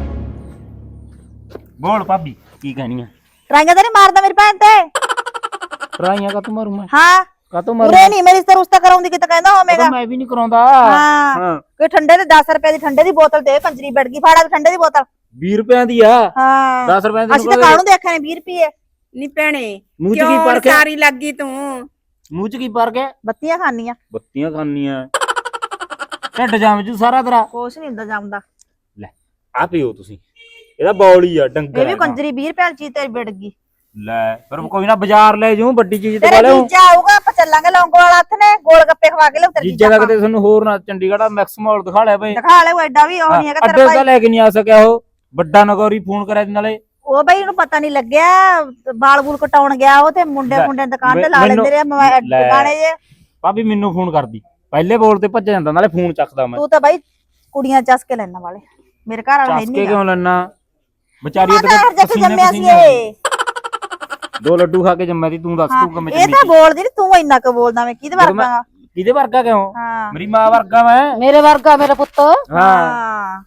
ਬੋਲ ਭਾਬੀ ਕੀ ਕਹਿਣੀ ਆ?
ਟਰਾਈਆਂ ਤਾਂ ਨਹੀਂ ਮਾਰਦਾ ਮੇਰੀ ਭੈਣ ਤੇ।
ਟਰਾਈਆਂ ਕਾ ਤੂੰ ਮਾਰੂ ਮੈਂ,
ਹਾਂ
ਕਾ ਤੂੰ ਮਾਰੂ?
ਉਰੇ ਨਹੀਂ ਮੇਰੀ ਰਿਸ਼ਤਾ ਰੁਸ਼ਤਾ ਕਰਾਉਂਦੀ ਕਿਤੇ ਕਹਿੰਦਾ ਹੋਵੇਗਾ।
ਮੈਂ ਵੀ ਨਹੀਂ ਕਰਾਉਂਦਾ।
ਹਾਂ
ਹਾਂ
ਕੋਈ ਠੰਡੇ ਦੇ 10 ਰੁਪਏ ਦੀ ਠੰਡੇ ਦੀ ਬੋਤਲ ਦੇ, ਕੰਜਰੀ ਵੜ ਗਈ, ਫਾੜਾ ਠੰਡੇ ਦੀ ਬੋਤਲ।
20 ਰੁਪਿਆਂ ਦੀ ਆ,
ਹਾਂ
10 ਰੁਪਏ ਦੀ
ਅਸੀਂ ਤਾਂ ਕਾਹਨੂੰ ਦੇਖਿਆ ਨੇ 20 ਰੁਪਏ।
ਨੀ ਭੈਣੇ
ਮੂੰਹ ਚ ਕੀ
ਕਿਉਂ
ਪਰ ਕੇ,
ਸਾਰੀ ਲੱਗੀ ਤੂੰ?
ਮੂੰਹ ਚ ਕੀ ਪਰ ਕੇ?
ਬੱਤੀਆਂ ਖਾਣੀਆਂ,
ਬੱਤੀਆਂ ਖਾਣੀਆਂ, ਢਿੱਡ ਜਾਮ ਜੂ ਸਾਰਾ ਤੇਰਾ।
ਕੁਛ ਨਹੀਂ ਹੁੰਦਾ ਜੰਮਦਾ।
ਲੈ ਆ ਪੀਓ ਤੁਸੀਂ, ਇਹਦਾ ਬੌਲੀ ਆ ਡੰਗਰ
ਇਹ ਵੀ
ਹੈਗਾ।
ਕੰਜਰੀ 20 ਰੁਪਏ ਵਾਲੀ ਚੀਜ਼ ਤੇਰੀ ਵਿੜ ਗਈ।
ਲੈ ਫਿਰ ਕੋਈ ਨਾ ਬਾਜ਼ਾਰ ਲੈ ਜਾਊ, ਵੱਡੀ ਚੀਜ਼ ਤੇ
ਤੇਰੇ
ਵਾਲੇ
ਜੀਜਾ ਆਊਗਾ, ਆਪਾਂ ਚੱਲਾਂਗੇ ਲੌਂਗੋ ਵਾਲਾ ਹੱਥ ਨੇ, ਗੋਲ ਗੱਪੇ ਖਵਾ ਕੇ ਲਿਆਉ ਤੇਰੀ
ਜੀਜਾ ਦਾ ਕਿਤੇ ਤੁਹਾਨੂੰ ਹੋਰ ਨਾ ਚੰਡੀਗੜ੍ਹ ਮੈਕਸ ਮਾਲ ਦਿਖਾ ਲਿਆ ਬਈ।
ਦਿਖਾ ਲੈ, ਉਹ ਐਡਾ ਵੀ ਉਹ ਨਹੀਂ ਹੈਗਾ
ਅੱਡੇ
ਤੇਰਾ
ਤਾਂ
ਭਾਈ।
ਲੈ ਕੇ ਨਹੀਂ ਆ ਸਕਿਆ, ਉਹ ਵੱਡਾ ਨਗੌਰੀ ਫੋਨ ਕਰਿਆ ਸੀ ਨਾਲੇ।
ਉਹ ਬਈ ਉਹਨੂੰ ਪਤਾ ਨਹੀਂ ਲੱਗਿਆ, ਬਾਲ ਬੂਲ ਕਟਾਉਣ ਗਿਆ ਉਹ ਤੇ ਮੁੰਡੇ
ਲੈ,
ਮੁੰਡੇ ਦੁਕਾਨ ਤੇ ਲਾ
ਮੈਨੂੰ-
ਲੈਂਦੇ ਰਹੇ ਮੋਬਾਈਲ
ਲੈ।
ਦੁਕਾਨੇ ਜੇ।
ਭਾਬੀ ਮੈਨੂੰ ਫੋਨ ਕਰਦੀ, ਪਹਿਲੇ ਬੋਲ ਤੇ ਭੱਜ ਜਾਂਦਾ, ਨਾਲੇ ਫੋਨ ਚੱਕਦਾ ਮੈਂ।
ਤੂੰ ਤਾਂ ਬਾਈ ਕੁੜੀਆਂ ਚੱਸ ਕੇ ਲੈਣ ਵਾਲੇ, ਮੇਰੇ ਘਰ ਵਾਲਾ ਹੈ
ਚੱਸ ਕੇ
ਨਹੀਂ
ਕਿਉਂ ਲੈਣਾ? ਵਿਚਾਰੀ
ਮੈਂ ਤਾਂ ਹਰ ਜੱਟ ਜੰਮਿਆ ਸੀ ਇਹ।
2 ਲੱਡੂ ਖਾ ਕੇ ਜੰਮਿਆ ਸੀ, ਤੂੰ ਦੱਸ ਤੂੰ ਕਿਵੇਂ
ਇਹ
ਜੰਮੀ
ਤਾਂ
ਸੀ?
ਬੋਲਦੀ ਨੀ, ਤੂੰ ਇੰਨਾ ਕੁ ਬੋਲਦਾ, ਮੈਂ ਕਿਹਦੇ
ਜਦੋਂ ਮੈਂ-
ਵਰਗਾ?
ਕਿਹਦੇ ਵਰਗਾ ਕਿਉਂ?
ਹਾਂ
ਮੇਰੀ ਮਾਂ ਵਰਗਾ ਮੈਂ।
ਮੇਰੇ ਵਰਗਾ ਮੇਰਾ ਪੁੱਤ।
ਹਾਂ
ਹਾਂ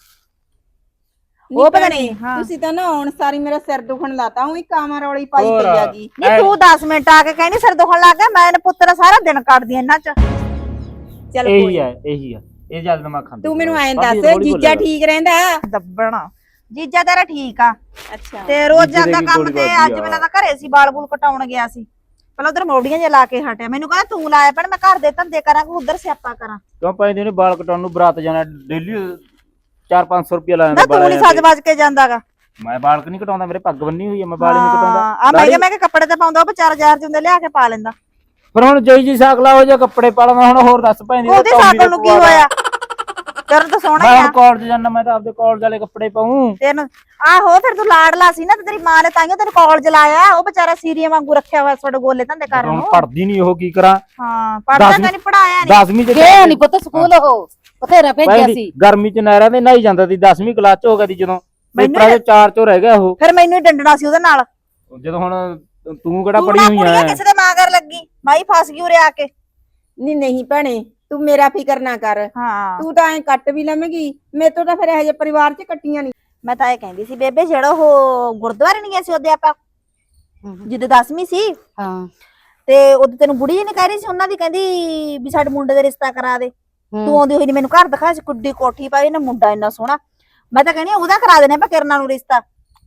ਨੀ
ਉਹ ਪਤਾ
ਭੈਣੇ,
ਨਹੀਂ, ਹਾਂ।
ਤੁਸੀਂ ਤਾਂ ਨਾ ਹੁਣ ਸਾਰੀ ਮੇਰਾ ਸਿਰ ਦੁਖਣ ਲਾਤਾ, ਉਹੀ ਕਾਮਾ ਰੌਲੀ ਪਾਈ
ਹੋਰ।
ਪਈ ਆਗੀ।
ਨਹੀਂ ਤੂੰ 10 ਮਿੰਟ ਆ ਕੇ ਕਹਿੰਦੀ ਸਿਰ ਦੁਖਣ ਲੱਗ ਗਿਆ, ਮੈਂ ਇਹਨੇ ਪੁੱਤਰ ਸਾਰਾ ਦਿਨ ਕੱਢਦੀ ਇਹਨਾਂ ਚ।
ਚੱਲ
ਇਹੀ
ਕੋਈ
ਆ, ਇਹੀ ਆ, ਇਹ ਜਦ ਦਿਮਾਗ ਖਾਂਦੀ।
ਤੂੰ ਮੈਨੂੰ ਐਂ
ਭਾਬੀ
ਦੱਸ,
ਹੌਲੀ
ਜੀਜਾ
ਬੋਲਿਆ
ਠੀਕ ਰਹਿੰਦਾ?
ਦੱਬਣਾ ਜੀਜਾ ਤੇਰਾ ਠੀਕ ਆ,
ਅੱਛਾ
ਤੇ ਰੋਜ਼
ਜੀਜੇ ਦੇ
ਜਾਂਦਾ
ਕੀ
ਕੰਮ
ਗੋਲੀ
ਤੇ।
ਵੱਜਦੀ
ਅੱਜ
ਆ।
ਮੈਨੂੰ ਤਾਂ ਘਰੇ ਸੀ, ਬਾਲ ਬੂਲ ਕਟਾਉਣ ਗਿਆ ਸੀ, ਪਹਿਲਾਂ ਉਧਰ ਮੋੜੀਆਂ ਜੇ ਲਾ ਕੇ ਹਟਿਆ। ਮੈਨੂੰ ਕਹਿੰਦਾ ਤੂੰ ਲਾਇਆ ਭੈਣ, ਮੈਂ ਘਰ ਦੇ ਧੰਦੇ ਕਰਾਂ ਕਿ ਉਧਰ ਸਿਆਪਾ ਕਰਾਂ।
ਕਿਉਂ ਪੈਂਦੇ ਨੇ ਵਾਲ ਕਟਾਉਣ ਨੂੰ? ਬਰਾਤ ਜਾਣਾ ਡੇਲੀ 400-500 ਰੁਪਏ ਲਾ
ਨਾ
ਜਾਂਦਾ
ਤੂੰ ਨਹੀਂ ਸੱਜ ਵੱਜ ਕੇ ਜਾਂਦਾਗਾ।
ਮੈਂ ਵਾਲ ਨਹੀਂ ਕਟਾਉਂਦਾ, ਮੇਰੇ ਪੱਗ ਬੰਨੀ ਹੋਈ ਆ, ਮੈਂ ਵਾਲ ਨਹੀਂ
ਆ
ਕਟਾਉਂਦਾ।
ਮੈਂ ਕਿਹਾ ਕੱਪੜੇ ਤੇ ਪਾਉਂਦਾ, ਉਹ 4000 ਚ ਹੁੰਦੇ ਲਿਆ ਕੇ ਪਾ ਲੈਂਦਾ।
ਫਿਰ ਹੁਣ ਜਈ ਜੀ ਸਾਕਲਾ ਹੋ ਜਾ ਕੱਪੜੇ ਪਾ ਲਵਾਂ, ਹੁਣ ਹੋਰ ਦੱਸ ਪੈਂਦੀ।
ਉਹਦੇ ਸਾਕਲ ਨੂੰ ਕੀ ਹੋਇਆ? ਤੇਰੇ ਤਾਂ ਸੋਹਣਾ
ਮੈਂ
ਹੀ
ਹੁਣ
ਆ
ਕਾਲਜ ਜਾਣਾ, ਮੈਂ ਤਾਂ ਆਪਦੇ ਕਾਲਜ ਵਾਲੇ ਕੱਪੜੇ ਪਾਉਂ।
ਤੈਨੂੰ। ਆਹੋ ਫਿਰ ਤੂੰ ਲਾਡਲਾ ਸੀ ਨਾ, ਤੇ ਤੇਰੀ ਮਾਂ ਨੇ ਤਾਈਓ ਤੈਨੂੰ ਕਾਲਜ ਲਾਇਆ। ਉਹ ਵਿਚਾਰਾ ਸੀਰੀਆਂ ਵਾਂਗੂ ਰੱਖਿਆ ਹੋਇਆ ਤੁਹਾਡੇ ਗੋਲੇ ਧੰਦੇ ਕਰਨ
ਹੁਣ
ਨੂੰ।
ਪੜਦੀ ਨਹੀਂ, ਉਹ ਕੀ ਕਰਾਂ?
ਹਾਂ ਪੜਦਾ ਤਾਂ ਨਹੀਂ, ਪੜਾਇਆ ਨਹੀਂ।
10ਵੀਂ ਚ
ਗਏ ਨਹੀਂ ਪੁੱਤ ਸਕੂਲ, ਉਹ ਬਥੇਰਾ ਭੇਜਿਆ ਸੀ।
ਗਰਮੀ ਚ ਨਹਿਰਾਂ ਤੇ ਨਹਾਈ ਜਾਂਦਾ ਸੀ, 10ਵੀਂ ਕਲਾਸ ਚ ਹੋ ਗਿਆ ਸੀ ਜਦੋਂ।
ਮੈਨੂੰ
ਪੇਪਰਾਂ ਚ 4 ਚੋਂ ਰਹਿ ਗਿਆ ਉਹ।
ਫਿਰ ਮੈਨੂੰ ਹੀ ਡੰਡਣਾ ਸੀ ਉਹਦੇ ਨਾਲ।
ਜਦੋਂ ਹੁਣ ਤੂੰ ਕਿਹੜਾ
ਤੂੰ
ਪੜੀ
ਨਾ
ਹੋਈ
ਕੁੜੀਆਂ
ਐ?
ਕਿਸੇ ਦੇ ਮਾਂਗਰ ਲੱਗੀ, ਮਾਈ ਫਸ ਗਈ ਉਰੇ ਆ ਕੇ।
ਨਹੀਂ ਭੈਣੇ, ਤੂੰ ਮੇਰਾ ਫਿਕਰ ਨਾ ਕਰ।
ਹਾਂ
ਤੂੰ ਤਾਂ ਐਂ ਕੱਟ ਵੀ ਲਵੇਂਗੀ, ਮੇਰੇ ਤੋਂ ਤਾਂ ਫਿਰ ਇਹੋ ਜਿਹੇ ਪਰਿਵਾਰ 'ਚ ਕੱਟੀਆਂ ਨਹੀਂ।
ਮੈਂ ਤਾਂ ਇਹ ਕਹਿੰਦੀ ਸੀ ਬੇਬੇ, ਜਿਹੜਾ ਉਹ ਗੁਰਦੁਆਰੇ ਨਹੀਂ ਗਏ ਸੀ ਉਹਦੇ ਆਪਾਂ, ਜਿੱਦ 10ਵੀਂ ਸੀ,
ਹਾਂ
ਤੇ ਉਹਦੇ ਤੈਨੂੰ ਬੁੜੀ ਜੀ ਨੇ ਕਹਿ ਰਹੀ ਸੀ ਉਹਨਾਂ ਦੀ, ਕਹਿੰਦੀ ਵੀ ਸਾਡੇ ਮੁੰਡੇ ਦਾ ਰਿਸ਼ਤਾ ਕਰਾ ਦੇ। ਤੂੰ ਆਉਂਦੀ ਹੋਈ ਨੀ ਮੈਨੂੰ ਘਰ ਦਿਖਾਇਆ ਸੀ, ਕੁੱਡੀ ਕੋਠੀ ਪਾਈ ਨਾ, ਮੁੰਡਾ ਇੰਨਾ ਸੋਹਣਾ। ਮੈਂ ਤਾਂ ਕਹਿੰਦੀ ਹਾਂ ਉਹਦਾ ਕਰਾ ਦੇਣੇ ਆਪਾਂ ਕਿਰਨਾਂ ਨੂੰ ਰਿਸ਼ਤਾ।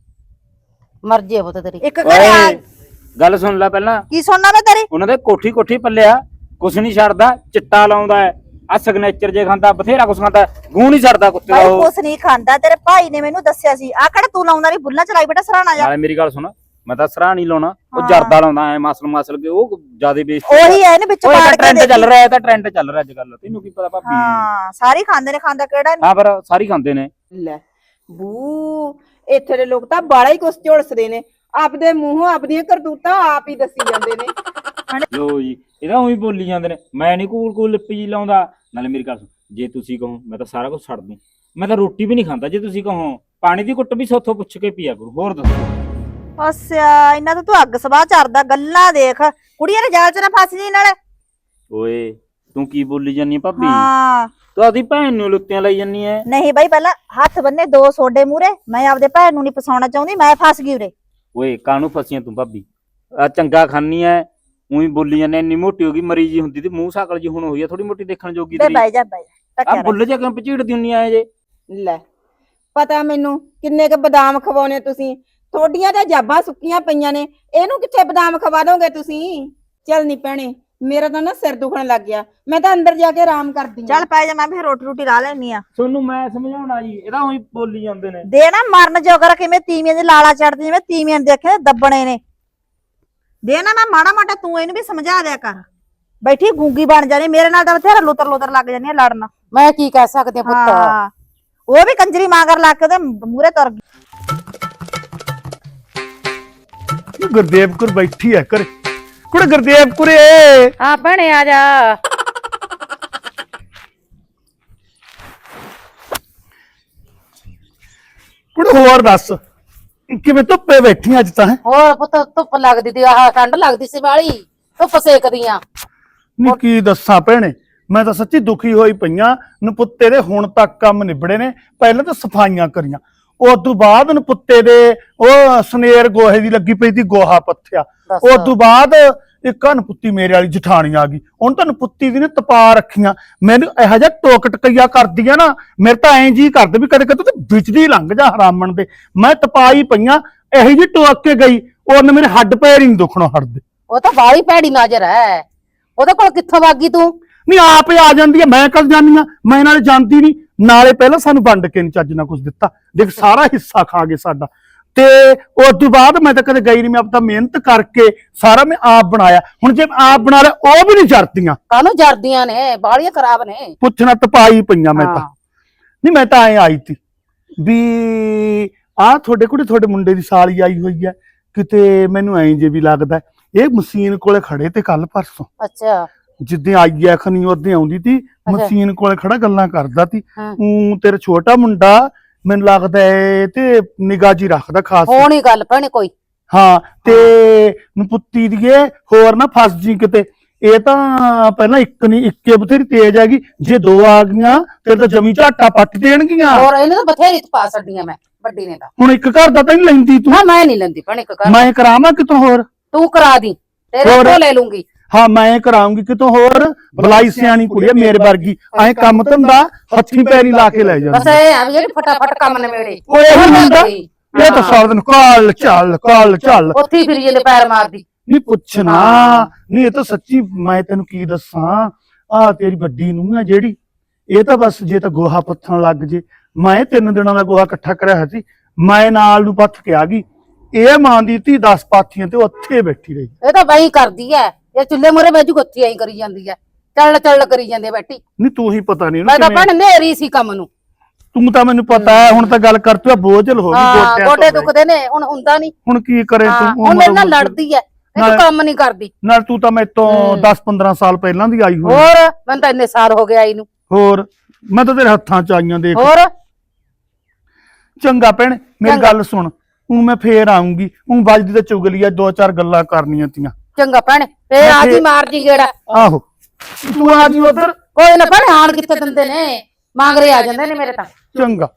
ਮਰਜੀ ਆ ਪੁੱਤ ਤੇਰੀ।
ਇੱਕ ਘਰੇ ਆ।
ਓਏ ਗੱਲ ਸੁਣ ਲੈ ਪਹਿਲਾਂ,
ਕੀ ਸੁਣਨਾ ਮੈਂ ਤੇਰੀ?
ਉਹਨਾਂ ਦੇ ਕੋਠੀ ਕੋਠੀ ਪੱਲਿਆ ਕੁਛ ਨਹੀਂ ਛੱਡਦਾ, ਚਿੱਟਾ ਲਾਉਂਦਾ ਹੈ, ਆ ਸਿਗਨੇਚਰ ਜੇ ਖਾਂਦਾ, ਬਥੇਰਾ ਕੁਛ ਖਾਂਦਾ, ਗੂੰ ਨਹੀਂ ਛੱਡਦਾ ਕੁੱਤੇ ਦਾ
ਭਾਈ
ਉਹ।
ਕੁਛ ਨਹੀਂ ਖਾਂਦਾ, ਤੇਰੇ ਭਾਈ ਨੇ ਮੈਨੂੰ ਦੱਸਿਆ ਸੀ। ਆ ਕਿਹੜਾ ਤੂੰ ਲਾਉਂਦਾ ਨਹੀਂ, ਬੁੱਲਾ ਚਲਾਈ ਬੇਟਾ ਸਰਾਣਾ ਜਾ।
ਨਾਲੇ ਮੇਰੀ ਗੱਲ ਸੁਣ, ਮੈਂ ਤਾਂ ਸਰਾਹ ਨਹੀਂ ਲਾਉਣਾ, ਉਹ
ਹਾਂ।
ਜਰਦਾ ਲਾਉਂਦਾ ਐ ਮਸਲ ਕੇ, ਉਹ ਜਿਆਦੇ ਬੇਇੱਜ਼ਤੀ।
ਉਹੀ ਹੈ ਇਹਨੇ ਵਿੱਚ
ਉਹ
ਪਾੜ ਕੇ
ਟ੍ਰੈਂਡ ਚੱਲ
ਦੇਖੀ।
ਰਿਹਾ, ਇਹ ਤਾਂ ਟ੍ਰੈਂਡ ਚੱਲ ਰਿਹਾ ਅੱਜ ਕੱਲ, ਤੈਨੂੰ ਕੀ ਪਤਾ ਭਾਬੀ?
ਹਾਂ ਸਾਰੇ ਖਾਂਦੇ ਨੇ, ਖਾਂਦਾ ਕਿਹੜਾ ਨਹੀਂ।
ਹਾਂ ਪਰ ਸਾਰੀ ਖਾਂਦੇ ਨੇ।
ਲੈ ਬੂ, ਇੱਥੇ ਦੇ ਲੋਕ ਤਾਂ ਬਾਲਾ ਹੀ ਕੁਛ ਝੋਲਸਦੇ ਨੇ, ਆਪਦੇ ਮੂੰਹੋਂ ਆਪਦੀਆਂ ਕਰਤੂਤਾਂ ਆਪ ਹੀ ਦੱਸੀ ਜਾਂਦੇ ਨੇ।
ਲੋ ਜੀ, ਇਹਦਾ ਉਹੀ ਬੋਲੀ ਜਾਂਦੇ ਨੇ, ਮੈਂ ਨਹੀਂ ਕੂਲ ਲਿਪੀ ਜੀ ਲਾਉਂਦਾ। ਨਾਲੇ ਮੇਰੀ ਗੱਲ ਸੁਣ, ਜੇ ਤੁਸੀਂ ਕਹੋ ਮੈਂ ਤਾਂ ਸਾਰਾ ਕੁਝ ਛੱਡ ਦੂੰ, ਮੈਂ ਤਾਂ ਰੋਟੀ ਵੀ ਨਹੀਂ ਖਾਂਦਾ। ਜੇ ਤੁਸੀਂ ਕਹੋ ਪਾਣੀ ਦੀ ਘੁੱਟ ਵੀ ਸੋਥੋਂ ਪੁੱਛ ਕੇ ਪੀਆ ਕਰੋ। ਹੋਰ ਦੱਸੋ।
ਅੱਛਾ ਇਹਨਾਂ ਤੋਂ ਤੂੰ ਅੱਗ ਸਵਾਹ ਚੜਦਾ, ਗੱਲਾਂ ਦੇਖ। ਕੁੜੀਆਂ ਦੇ ਜਾਲ ਚ ਨਾ ਫਸ ਜੀ ਨਾਲੇ।
ਓਏ ਤੂੰ ਕੀ ਬੋਲੀ ਜਾਨੀ ਆ ਭਾਬੀ?
ਹਾਂ
ਤੂੰ ਆਪਦੀ ਭੈਣ ਨੂੰ ਲੁੱਤੀਆਂ ਲਈ ਜਾਨੀ ਐ।
ਨਹੀਂ ਬਾਈ, ਪਹਿਲਾਂ ਹੱਥ ਬੰਨੇ 2 ਸੋਡੇ ਮੂਰੇ। ਮੈਂ ਆਪਦੇ ਭੈਣ ਨੂੰ ਨਹੀਂ ਫਸਾਉਣਾ ਚਾਹੁੰਦੀ, ਮੈਂ ਫਸ ਗਈ ਉਰੇ।
ਓਏ ਕਾਹਨੂੰ ਫਸੀਆਂ ਤੂੰ ਭਾਬੀ? ਆ ਚੰਗਾ ਖਾਨੀ ਐ, ਉਹੀ ਬੋਲੀ ਜਾਂਦੇ। ਇੰਨੀ ਮੋਟੀ ਹੋ ਗਈ, ਮਰੀ ਜੀ ਹੁੰਦੀ ਤੇ ਮੂੰਹ ਸਾਕਲ ਜੀ ਹੁਣ ਹੋਈ ਆ ਥੋੜੀ ਮੋਟੀ ਦੇਖਣ ਜੋਗੀ
ਬੇ
ਤੇਰੀ।
ਬਾਈ ਜਾ ਬਾਈ
ਆ
ਟੱਕਿਆ
ਬੁੱਲ ਜੇ ਕਿਉਂ ਪਚੀੜਦੀ ਹੁੰਨੀ ਆ ਜੇ?
ਲੈ ਪਤਾ ਮੈਨੂੰ ਕਿੰਨੇ ਕ ਬਦਾਮ ਖਵਾਉਣੇ ਤੁਸੀਂ, ਤੁਹਾਡੀਆਂ ਤਾਂ ਜਾਬਾਂ ਸੁੱਕੀਆਂ ਪਈਆਂ ਨੇ, ਇਹਨੂੰ ਕਿੱਥੇ ਬਦਾਮ ਖਵਾ ਦੋਗੇ ਤੁਸੀਂ? ਚੱਲ ਨੀ ਭੈਣੇ, ਮੇਰਾ ਤਾਂ ਨਾ ਸਿਰ ਦੁਖਣ ਲੱਗ ਗਿਆ, ਮੈਂ ਤਾਂ ਅੰਦਰ ਜਾ ਕੇ ਆਰਾਮ ਕਰਦੀ
ਚੱਲ ਪੈ ਜਾ, ਮੈਂ ਵੀ ਰੋਟੀ ਰੋਟੀ ਲਾ ਲੈਣੀ ਆ।
ਤੁਹਾਨੂੰ ਮੈਂ ਸਮਝਾਉਣਾ ਜੀ, ਇਹਦਾ ਉਹੀ ਬੋਲੀ ਜਾਂਦੇ ਨੇ।
ਦੇ ਨਾ ਮਰਨ ਜੋਗਰ ਕਿਵੇਂ ਤੀਵੀਆਂ ਦੇ ਲਾਲਾ ਚੜਦੇ, ਜਿਵੇਂ ਤੀਵੀਆਂ ਦੇਖੇ ਦੱਬਣੇ ਨੇ। ਦੇ ਨਾ, ਮੈਂ ਮਾੜਾ ਮਾਟਾ ਤੂੰ ਇਹਨੂੰ ਵੀ ਸਮਝਾ ਦਿਆ ਕਰ। ਬੈਠੀ ਗੂੰਗੀ ਬਣ ਜਾਣੀ, ਮੇਰੇ ਨਾਲ ਤਾਂ ਬਥੇਰਾ ਲੁੱਤਰ ਲੁੱਤਰ ਲੱਗ ਜਾਣੀ ਆ ਲੜਨ।
ਮੈਂ ਕੀ ਕਹਿ ਸਕਦੇ ਪੁੱਤ।
ਹਾਂ, ਉਹ ਵੀ ਕੰਜਰੀ ਮਾਂਗਰ ਲਾ ਕੇ ਉਹਦੇ ਮੂਹਰੇ ਤੁਰ ਗਈ।
ਗੁਰਦੇਵ ਕੁਰ ਬੈਠੀ ਹੈ ਘਰੇ। ਕੁੜੇ ਗੁਰਦੇਵ ਕੁਰੇ,
ਹਾਂ ਭੈਣੇ ਆ ਜਾ।
ਕੁੜੇ ਹੋਰ ਦੱਸ ਕਿਵੇਂ ਧੁੱਪੇ ਬੈਠੀ ਅੱਜ ਤਾਂ?
ਹੋਰ ਪੁੱਤ ਧੁੱਪ ਲੱਗਦੀ ਤੀ, ਆਹ ਠੰਡ ਲੱਗਦੀ ਸੀ ਵਾਲੀ, ਧੁੱਪ ਸੇਕਦੀਆਂ।
ਨਹੀਂ ਕੀ ਦੱਸਾਂ ਭੈਣੇ, ਮੈਂ ਤਾਂ ਸੱਚੀ ਦੁਖੀ ਹੋਈ ਪਈਆਂ। ਨਪੁੱਤੇ ਦੇ ਹੁਣ ਤੱਕ ਕੰਮ ਨਿਬੜੇ ਨੇ। ਪਹਿਲਾਂ ਤਾਂ ਸਫਾਈਆਂ ਕਰੀਆਂ, ਉਸ ਤੋਂ ਬਾਅਦ ਨਪੁੱਤੇ ਦੇ ਉਹ ਸਨੇਰ ਗੋਹੇ ਦੀ ਲੱਗੀ ਪਈ ਸੀ, ਗੋਹਾ ਪੱਥਿਆ। ਉਸ ਤੋਂ ਬਾਅਦ ਇੱਕ ਨਪੁੱਤੀ ਮੇਰੇ ਵਾਲੀ ਜਠਾਣੀ ਆ ਗਈ, ਉਹਨੂੰ ਤਾਂ ਨਪੁੱਤੀ ਦੀ ਨੇ ਤਪਾ ਰੱਖੀਆਂ। ਮੈਨੂੰ ਇਹੋ ਜਿਹਾ ਟੋਕ ਟਕਈਆ ਕਰਦੀ ਆ ਨਾ, ਮੇਰੇ ਤਾਂ ਐਂ ਜੀ ਕਰਦੇ ਵੀ ਕਦੇ ਕਦੇ ਤੂੰ ਵਿੱਚ ਦੀ ਲੰਘ ਜਾ ਹਰਾਮਣ ਦੇ। ਮੈਂ ਤਪਾਈ ਪਈਆਂ, ਇਹੋ ਜਿਹੀ ਟੋਕ ਕੇ ਗਈ, ਉਹਨੇ ਮੇਰੇ ਹੱਡ ਪੈਰ ਹੀ ਨਹੀਂ ਦੁਖਣੋਂ ਹਟਦੇ।
ਉਹ ਤਾਂ ਬਾਹਲੀ ਭੈੜੀ ਨਜ਼ਰ ਹੈ, ਉਹਦੇ ਕੋਲ ਕਿੱਥੋਂ ਵਾਗੀ ਤੂੰ?
ਨਹੀਂ ਆਪ ਹੀ ਆ ਜਾਂਦੀ ਹੈ, ਮੈਂ ਕਦ ਜਾਨੀ ਆ? ਮੈਂ ਨਾਲੇ ਜਾਂਦੀ ਨਹੀਂ, ਨਾਲੇ ਪਹਿਲਾਂ ਸਾਨੂੰ ਵੰਡ ਕੇ ਨਹੀਂ ਚੱਜ ਨਾਲ ਕੁਝ ਦਿੱਤਾ। ਦੇਖ ਸਾਰਾ ਹਿੱਸਾ ਖਾ ਗਏ ਸਾਡਾ, ਤੇ ਉਸ ਤੋਂ ਬਾਅਦ ਮੈਂ ਤਾਂ ਕਦੇ ਗਈ ਨਹੀਂ। ਮੈਂ ਆਪ ਤਾਂ ਮਿਹਨਤ ਕਰਕੇ ਸਾਰਾ ਮੈਂ ਆਪ ਬਣਾਇਆ। ਹੁਣ ਜੇ ਆਪ ਬਣਾ ਲਿਆ, ਉਹ ਵੀ ਨਹੀਂ ਜਰਦੀਆਂ।
ਕਾਹਨੂੰ ਜਰਦੀਆਂ ਨੇ, ਬਾਹਲੀਆਂ ਖਰਾਬ ਨੇ।
ਪੁੱਛਣਾ ਤਪਾਈ ਪਈਆਂ ਮੈਂ ਤਾਂ।
ਹਾਂ।
ਨਹੀਂ ਮੈਂ ਤਾਂ ਐ ਆਈ ਤੀ ਵੀ ਆਹ ਤੁਹਾਡੇ ਮੁੰਡੇ ਦੀ ਸਾਲੀ ਆਈ ਹੋਈ ਹੈ ਕਿਤੇ। ਮੈਨੂੰ ਐਂ ਜੇ ਵੀ ਲੱਗਦਾ ਇਹ ਮਸ਼ੀਨ ਕੋਲੇ ਖੜੇ ਤੇ ਕੱਲ ਪਰਸੋਂ।
ਅੱਛਾ।
ਜਿੱਦਾਂ ਆਈ ਐ ਖਨੀ ਉਹਦੇ ਆਉਂਦੀ ਤੀ, ਮਸ਼ੀਨ ਕੋਲੇ ਖੜਾ ਗੱਲਾਂ ਕਰਦਾ ਤੀ। ਤੇਰਾ ਛੋਟਾ ਮੁੰਡਾ ਮੈਨੂੰ ਲੱਗਦਾ ਏ ਤੇ ਨਿਗਾਹ ਜੀ ਰੱਖਦਾ ਖਾਸ।
ਹੋਣੀ ਗੱਲ ਭੈਣੇ ਕੋਈ।
ਹਾਂ, ਤੇ ਨਪੁੱਤੀ ਦੀਏ ਹੋਰ ਨਾ ਫਸ ਜੀ ਕਿਤੇ। ਇਹ ਤਾਂ ਪਹਿਲਾਂ ਇੱਕ ਨਹੀਂ, ਇੱਕੇ ਬਥੇਰੀ ਤੇਜ਼ ਹੈਗੀ। ਜੇ ਦੋ ਆ ਗਈਆਂ ਤੇ ਤਾਂ ਜਮੀ ਝਾਟਾ ਪੱਟ ਦੇਣਗੀਆਂ।
ਹੋਰ ਇਹਨੇ ਤਾਂ ਬਥੇਰੀ ਪਾ ਛੱਡੀਆਂ ਮੈਂ, ਵੱਡੀ ਨੇ ਤਾਂ।
ਹੁਣ ਇੱਕ ਘਰ ਦਾ ਤਾਂ ਨਹੀਂ ਲੈਂਦੀ ਤੂੰ?
ਨਾ ਮੈਂ ਨਹੀਂ ਲੈਂਦੀ ਭੈਣੇ ਇੱਕ ਘਰ।
ਮੈਂ ਕਰਾਵਾਂ ਕਿਤੋਂ ਹੋਰ?
ਤੂੰ ਕਰਾ ਦੀ, ਤੇਰੇ ਕੋਲ ਲੈ ਲੂੰਗੀ।
ਹਾਂ ਮੈਂ ਕਰਾਉਂਗੀ ਕਿਤੋਂ ਹੋਰ। ਬਲਾਈ ਸਿਆਣੀ ਕੁੜੀ ਮੇਰੇ ਵਰਗੀ, ਐ ਕੰਮ ਧੰਦਾ ਹੱਥੀਂ ਪੈਰੀ ਲਾ ਕੇ ਲੈ
ਬਸ
ਜਾਂਦੀ।
ਇਹ ਆ ਵੀ ਜਿਹੜੀ ਫਟਾਫਟ ਕੰਮ ਨਿਬੇੜੇ।
ਉਹ ਇਹੀ ਹੁੰਦਾ, ਇਹ ਤਾਂ ਸਾਰਾ ਦਿਨ ਕਾਲ ਚੱਲ
ਉੱਥੇ ਹੀ ਫਿਰੀ ਜਾਂਦੇ ਪੈਰ ਮਾਰਦੀ।
ਨਹੀਂ ਪੁੱਛਣਾ। ਨਹੀਂ ਇਹ ਤਾਂ ਸੱਚੀ ਮੈਂ ਤੈਨੂੰ ਕੀ ਦੱਸਾਂ, ਆਹ ਤੇਰੀ ਵੱਡੀ ਨੂੰ ਆ ਜਿਹੜੀ, ਇਹ ਤਾਂ ਬਸ ਜੇ ਤਾਂ ਗੋਹਾ ਪੱਥਣ ਲੱਗ ਜੇ। ਮੈਂ 3 ਦਿਨਾਂ ਦਾ ਗੋਹਾ ਇਕੱਠਾ ਕਰਿਆ ਹੋਇਆ ਸੀ, ਮੈਂ ਨਾਲ ਨੂੰ ਪੱਥ ਕੇ ਆ ਗਈ। ਇਹ ਮਾਂ ਦੀ ਧੀ 10 ਪਾਥੀਆਂ ਤੇ ਉੱਥੇ ਬੈਠੀ ਰਹੀ।
ਇਹ ਤਾਂ ਬਈ ਕਰਦੀ ਐ, ਇਹ ਚੁੱਲ੍ਹੇ ਮੂਹਰੇ ਬੈਜੂ ਗੱਤੀ ਐਂ ਕਰੀ ਜਾਂਦੀ ਐ, ਚੱਲ ਕਰੀ ਜਾਂਦੇ ਬੈਠੀ।
ਨਹੀਂ ਤੂੰ ਹੀ ਪਤਾ ਨਹੀਂ
ਮੈਂ ਤਾਂ ਭੈਣ ਨੇਰੀ ਸੀ ਕੰਮ ਨੂੰ।
ਤੂੰ ਤਾਂ ਮੈਨੂੰ ਪਤਾ ਹੈ। ਹੁਣ ਤਾਂ ਗੱਲ ਕਰ, ਤੂੰ ਬੋਝਲ ਹੋ ਗਈ
ਹਾਂ,
ਗੋਟਿਆਂ
ਗੋਡੇ
ਤੋਂ।
ਦੁਖਦੇ ਨੇ, ਹੁਣ ਹੁੰਦਾ ਨਹੀਂ।
ਹੁਣ ਕੀ ਕਰੇ
ਹਾਂ,
ਤੂੰ?
ਹੁਣ ਮੇਰੇ ਨਾਲ ਲੜਦੀ ਐ, ਇਹ ਕੰਮ ਨਹੀਂ ਕਰਦੀ।
ਨਾਲ ਤੂੰ ਤਾਂ ਮੇਰੇ ਤੋਂ 10-15 ਸਾਲ ਪਹਿਲਾਂ ਦੀ ਆਈ ਹੋਈ।
ਹੋਰ ਮੈਨੂੰ ਤਾਂ ਇੰਨੇ ਸਾਲ ਹੋ ਗਏ ਆਈ ਨੂੰ।
ਹੋਰ ਮੈਂ ਤਾਂ ਤੇਰੇ ਹੱਥਾਂ ਚ ਆਈਆਂ ਦੇਖ।
ਹੋਰ
ਚੰਗਾ ਭੈਣ, ਮੇਰੀ ਗੱਲ ਸੁਣ, ਹੁਣ ਮੈਂ ਫੇਰ ਆਉਂਗੀ। ਹੁਣ ਵੱਜਦੀ ਤਾਂ ਚੁਗਲੀ ਆ, 2-4 ਗੱਲਾਂ ਕਰਨੀਆਂ ਤੀਆਂ।
ਚੰਗਾ ਭੈਣ, ਫੇਰ ਆ ਜੀ ਮਾਰ ਜੀ ਗੇੜਾ।
ਆਹੋ ਤੂੰ ਆ ਜੀ ਉਧਰ।
ਕੋਈ ਨਾ ਭੈਣ, ਹਾਣ ਕਿੱਥੇ ਦਿੰਦੇ ਨੇ, ਮੰਗਰੇ ਆ ਜਾਂਦੇ ਨੇ ਮੇਰੇ ਤਾਂ।
ਚੰਗਾ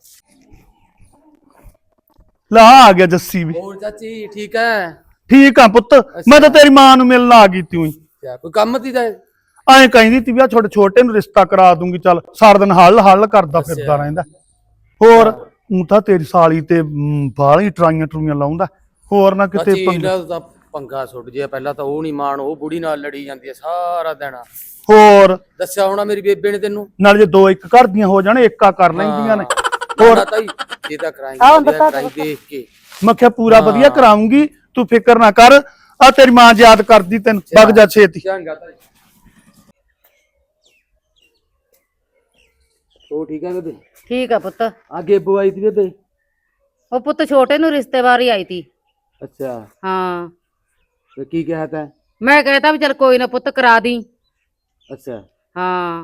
ਲਾ ਆ ਗਿਆ ਜੱਸੀ ਵੀ।
ਹੋਰ ਚਾਚੀ ਠੀਕ ਹੈ?
ਠੀਕ ਆ ਪੁੱਤ, ਮੈਂ ਤਾਂ ਤੇਰੀ ਮਾਂ ਨੂੰ ਮਿਲਣ ਆ ਗਈ ਤੀ।
ਕਿਆ ਕੋਈ ਕੰਮ ਤੀ ਦਾ?
ਐਂ ਕਹਿੰਦੀ ਤੀ ਵੀ ਆ ਛੋਟੇ ਨੂੰ ਰਿਸ਼ਤਾ ਕਰਾ ਦੂੰਗੀ। ਚੱਲ ਸਾਰਾ ਦਿਨ ਹੱਲ ਕਰਦਾ ਫਿਰਦਾ ਰਹਿੰਦਾ। ਹੋਰ ਉਹ ਤਾਂ ਤੇਰੀ ਸਾਲੀ ਤੇ ਬਾਹਲੀ ਟਰਾਈਆਂ ਲਾਉਂਦਾ। ਹੋਰ ਨਾ ਕਿਤੇ
ਚਾਚੀ ਇਹਨਾਂ ਦਾ ਤਾਂ ਪੰਗਾ ਸੁੱਟ ਜਿਆ। ਪਹਿਲਾਂ ਤਾਂ ਉਹ ਨਹੀਂ ਮਾਣ, ਉਹ ਬੁੜੀ ਨਾਲ ਲੜੀ ਜਾਂਦੀ ਹੈ ਸਾਰਾ ਦਿਨ।
ਹੋਰ
ਦੱਸਿਆ ਹੋਣਾ ਮੇਰੀ ਬੇਬੇ ਨੇ ਤੈਨੂੰ।
ਨਾਲ ਜੇ 2-1 ਘਰ ਦੀਆਂ ਹੋ ਜਾਣ, ਏਕਾ ਕਰ ਲੈਂਦੀਆਂ ਨੇ। ਹੋਰ
ਤਾਈ ਇਹ ਤਾਂ ਕਰਾਈ ਦੇਖ ਕੇ
ਮੈਂ ਕਿਹਾ ਪੂਰਾ ਵਧੀਆ ਕਰਾਉਂਗੀ, ਤੂੰ ਫਿਕਰ ਨਾ ਕਰ। ਆ ਤੇਰੀ ਮਾਂ ਯਾਦ ਕਰਦੀ ਤੈਨੂੰ, ਵਗ ਜਾ ਛੇਤੀ।
ਚੰਗਾ ਤਾਈ। ਉਹ ਠੀਕ ਹੈ ਬੇਬੇ?
ਠੀਕ ਆ ਪੁੱਤ।
ਆ ਗੇਬੋ ਆਈ ਤੀ ਬੇਬੇ?
ਉਹ ਪੁੱਤ ਛੋਟੇ ਨੂੰ ਰਿਸ਼ਤੇਵਾਰੀ ਆਈ ਤੀ।
ਅੱਛਾ,
ਹਾਂ,
ਤੇ ਕੀ ਕਿਹਾ ਤੈਂ?
ਮੈਂ ਕਹਿਤਾ ਵੀ ਚੱਲ ਕੋਈ ਨਾ ਪੁੱਤ ਕਰਾ ਦੀ।
ਅੱਛਾ
ਹਾਂ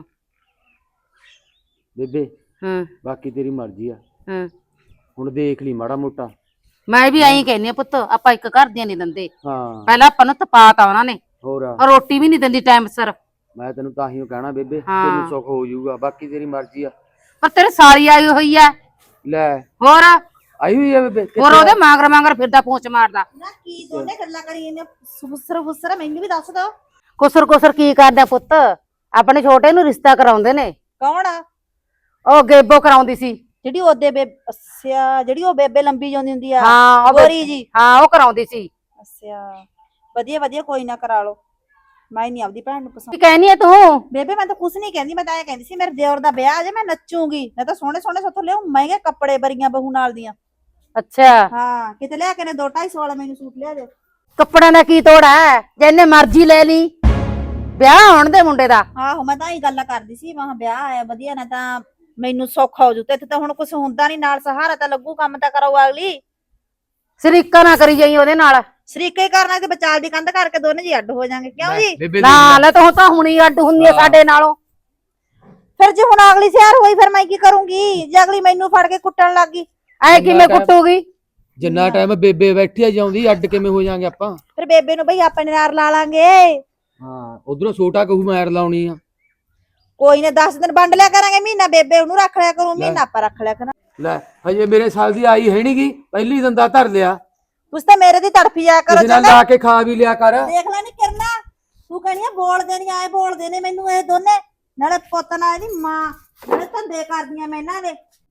ਬੇਬੇ,
ਹਾਂ
ਬਾਕੀ ਤੇਰੀ ਮਰਜ਼ੀ ਆ।
ਹਾਂ,
ਹੁਣ ਦੇਖ ਲਈ ਮਾੜਾ ਮੋਟਾ।
ਮੈਂ ਵੀ ਐਂ ਕਹਿੰਦੀ ਆ ਪੁੱਤ, ਆਪਾਂ ਇੱਕ ਘਰ ਦੀਆਂ ਨਹੀਂ ਦਿੰਦੇ।
ਹਾਂ
ਪਹਿਲਾਂ ਆਪਾਂ ਨੂੰ ਤਪਾਤਾ ਉਹਨਾਂ ਨੇ,
ਹੋਰ
ਔਰ ਰੋਟੀ ਵੀ ਨਹੀਂ ਦਿੰਦੀ ਟਾਈਮ ਸਿਰ।
ਮੈਂ ਤੈਨੂੰ ਤਾਂ ਹੀ ਕਹਿਣਾ ਬੇਬੇ,
ਹਾਂ।
ਤੈਨੂੰ ਸੁੱਖ ਹੋ ਜਾਊਗਾ। ਬਾਕੀ ਤੇਰੀ ਮਰਜ਼ੀ ਆ।
ਪਰ ਤੇਰੇ ਸਾਲੀ ਆਈ ਹੋਈ ਐ।
ਲੈ
ਹੋਰ
ਆਈ ਹੋਈ ਆ ਬੇਬੇ?
ਹੋਰ ਉਹਦੇ ਮਾਂਗਰ ਫਿਰਦਾ, ਪੂੰਛ ਮਾਰਦਾ।
ਨਾ ਕੀ ਦੋਨੇ ਗੱਲਾਂ ਕਰੀ ਜਾਂਦੇ, ਫੁਸਰ ਮੈਨੂੰ ਵੀ ਦੱਸ ਦੋ।
ਕੁਸਰ ਕੀ ਕਰਦਾ ਪੁੱਤ? ਆਪਣੇ ਛੋਟੇ ਨੂੰ ਰਿਸ਼ਤਾ ਕਰਾਉਂਦੇ ਨੇ।
ਕੌਣ ਆ?
ਉਹ ਗੇਬੋ ਕਰਾਉਂਦੀ ਸੀ।
ਜਿਹੜੀ ਉਹਦੇ ਅੱਛਾ, ਜਿਹੜੀ ਉਹ ਬੇਬੇ ਲੰਬੀ ਜਾਂਦੀ ਹੁੰਦੀ ਆ,
ਹਾਂ
ਗੋਰੀ ਜੀ।
ਹਾਂ, ਉਹ ਕਰਾਉਂਦੀ ਸੀ।
ਅੱਛਾ, ਵਧੀਆ ਕੋਈ ਨਾ ਕਰਾ ਲਓ। ਮੈਂ ਨਹੀਂ ਆਪਦੀ ਭੈਣ ਨੂੰ
ਕੀ
ਪਸੰਦ।
ਕਹਿਨੀ ਐ ਤੂੰ?
ਬੇਬੇ ਮੈਂ ਤਾਂ ਕੁਛ ਨਹੀਂ ਕਹਿੰਦੀ, ਮੈਂ ਤਾਂ ਇਹ ਕਹਿੰਦੀ ਸੀ ਮੇਰੇ ਦਿਓਰ ਦਾ ਵਿਆਹ ਜੇ ਮੈਂ ਨੱਚੂਗੀ, ਮੈਂ ਤਾਂ ਸੋਹਣੇ ਸੋਹਣੇ ਸੱਥੋਂ ਲਿਆਉਂ ਮਹਿੰਗੇ ਕੱਪੜੇ ਬਰੀਆਂ ਬਹੂ ਨਾਲ ਦੀਆਂ।
ਅੱਛਾ,
ਹਾਂ ਕਿਤੇ ਲਿਆ ਕੇ ਨੇ 2-250 ਵਾਲਾ ਮੈਨੂੰ ਸੂਟ ਲਿਆ ਦੇ।
ਕੱਪੜਿਆਂ ਦਾ ਕੀ ਤੋੜਾ ਹੈ? ਜਿੰਨੇ ਮਰਜ਼ੀ ਲੈ ਲਈ, ਵਿਆਹ ਹੋਣ ਦੇ ਮੁੰਡੇ ਦਾ।
ਆਹੋ ਮੈਂ ਤਾਂ ਇਹ ਗੱਲਾਂ ਕਰਦੀ ਸੀ, ਮੈਂ ਕਿਹਾ ਵਿਆਹ ਆਇਆ ਵਧੀਆ, ਨਾ ਤਾਂ ਮੈਨੂੰ ਸੌਖਾ ਹੋ ਜੂ, ਤੇ ਇੱਥੇ ਤਾਂ ਹੁਣ ਕੁਛ ਹੁੰਦਾ ਨਹੀਂ, ਨਾਲ ਸਹਾਰਾ ਤਾਂ ਲੱਗੂ, ਕੰਮ ਤਾਂ ਕਰਾਊ ਅਗਲੀ।
ਸ਼ਰੀਕਾ ਨਾ ਕਰੀ ਜਾਈ ਉਹਦੇ ਨਾਲ।
ਸ਼ਰੀਕੇ ਹੀ ਕਰਨਾ ਤੇ ਵਿਚਾਲ ਦੀ ਕੰਧ ਕਰਕੇ ਦੋਨੇ ਜੀ ਅੱਡ ਹੋ ਜਾਾਂਗੇ, ਕਿਉਂ ਜੀ?
ਬੇਬੇ
ਨਾ ਲੈ ਤੂੰ ਤਾਂ ਹੁਣੀ ਅੱਡ ਹੁੰਦੀ ਐ ਸਾਡੇ ਨਾਲੋਂ।
ਫਿਰ ਜੇ ਹੁਣ ਅਗਲੀ ਸਿਆਰ ਹੋਈ ਫਿਰ ਮੈਂ ਕੀ ਕਰੂੰਗੀ? ਜੇ ਅਗਲੀ ਮੈਨੂੰ ਫੜ ਕੇ ਕੁੱਟਣ ਲੱਗ ਗਈ
ਐ ਕਿਵੇਂ ਕੁੱਟੂਗੀ?
ਜਿੰਨਾ ਟਾਈਮ ਬੇਬੇ ਬੈਠੀ ਆ ਜਾਉਂਦੀ ਅੱਡ ਕਿਵੇਂ ਹੋ ਜਾਾਂਗੇ ਆਪਾਂ?
ਫਿਰ ਬੇਬੇ ਨੂੰ ਬਈ ਆਪਣੇ ਨਾਲ ਲਾ ਲਾਂਗੇ।
ਹਾਂ ਉਧਰੋਂ ਛੋਟਾ ਕਹੂ ਮੈਰ ਲਾਉਣੀ ਆ।
ਕੋਈ ਨਾ 10 ਦਿਨ ਵੰਡ ਲਿਆ ਕਰਾਂਗੇ, ਮਹੀਨਾ ਬੇਬੇ ਉਹਨੂੰ ਰੱਖ ਲਿਆ ਕਰੂ, ਮਹੀਨਾ ਆਪਾਂ ਰੱਖ ਲਿਆ ਕਰਾਂ।
ਲੈ ਹਜੇ ਮੇਰੇ ਸਾਲ ਦੀ ਆਈ ਹੈ ਨੀ ਗੀ, ਪਹਿਲੀ ਦੰਦਾ ਧਰ ਲਿਆ।
ਤੁਸੀਂ ਤਾਂ ਮੇਰੇ ਦੀ ਤੜਫੀ ਜਾ ਕਰੋ।
ਕਿਸੇ ਨਾਲ ਲਾ ਕੇ ਖਾ ਵੀ ਲਿਆ ਕਰ।
ਦੇਖ ਲੈ ਨੀ ਕਿਰਨਾ, ਤੂੰ ਕਹਿਣੀ ਆ ਬੋਲਦੇ ਨਹੀਂ, ਆਏ ਬੋਲਦੇ ਨੇ ਮੈਨੂੰ ਇਹ ਦੋਨੇ, ਨਾਲੇ ਪੁੱਤ ਨਾਲ ਇਹਦੀ ਮਾਂ, ਨਾਲੇ ਧੰਦੇ ਕਰਦੀਆਂ ਮੈਂ ਇਹਨਾਂ ਦੇ।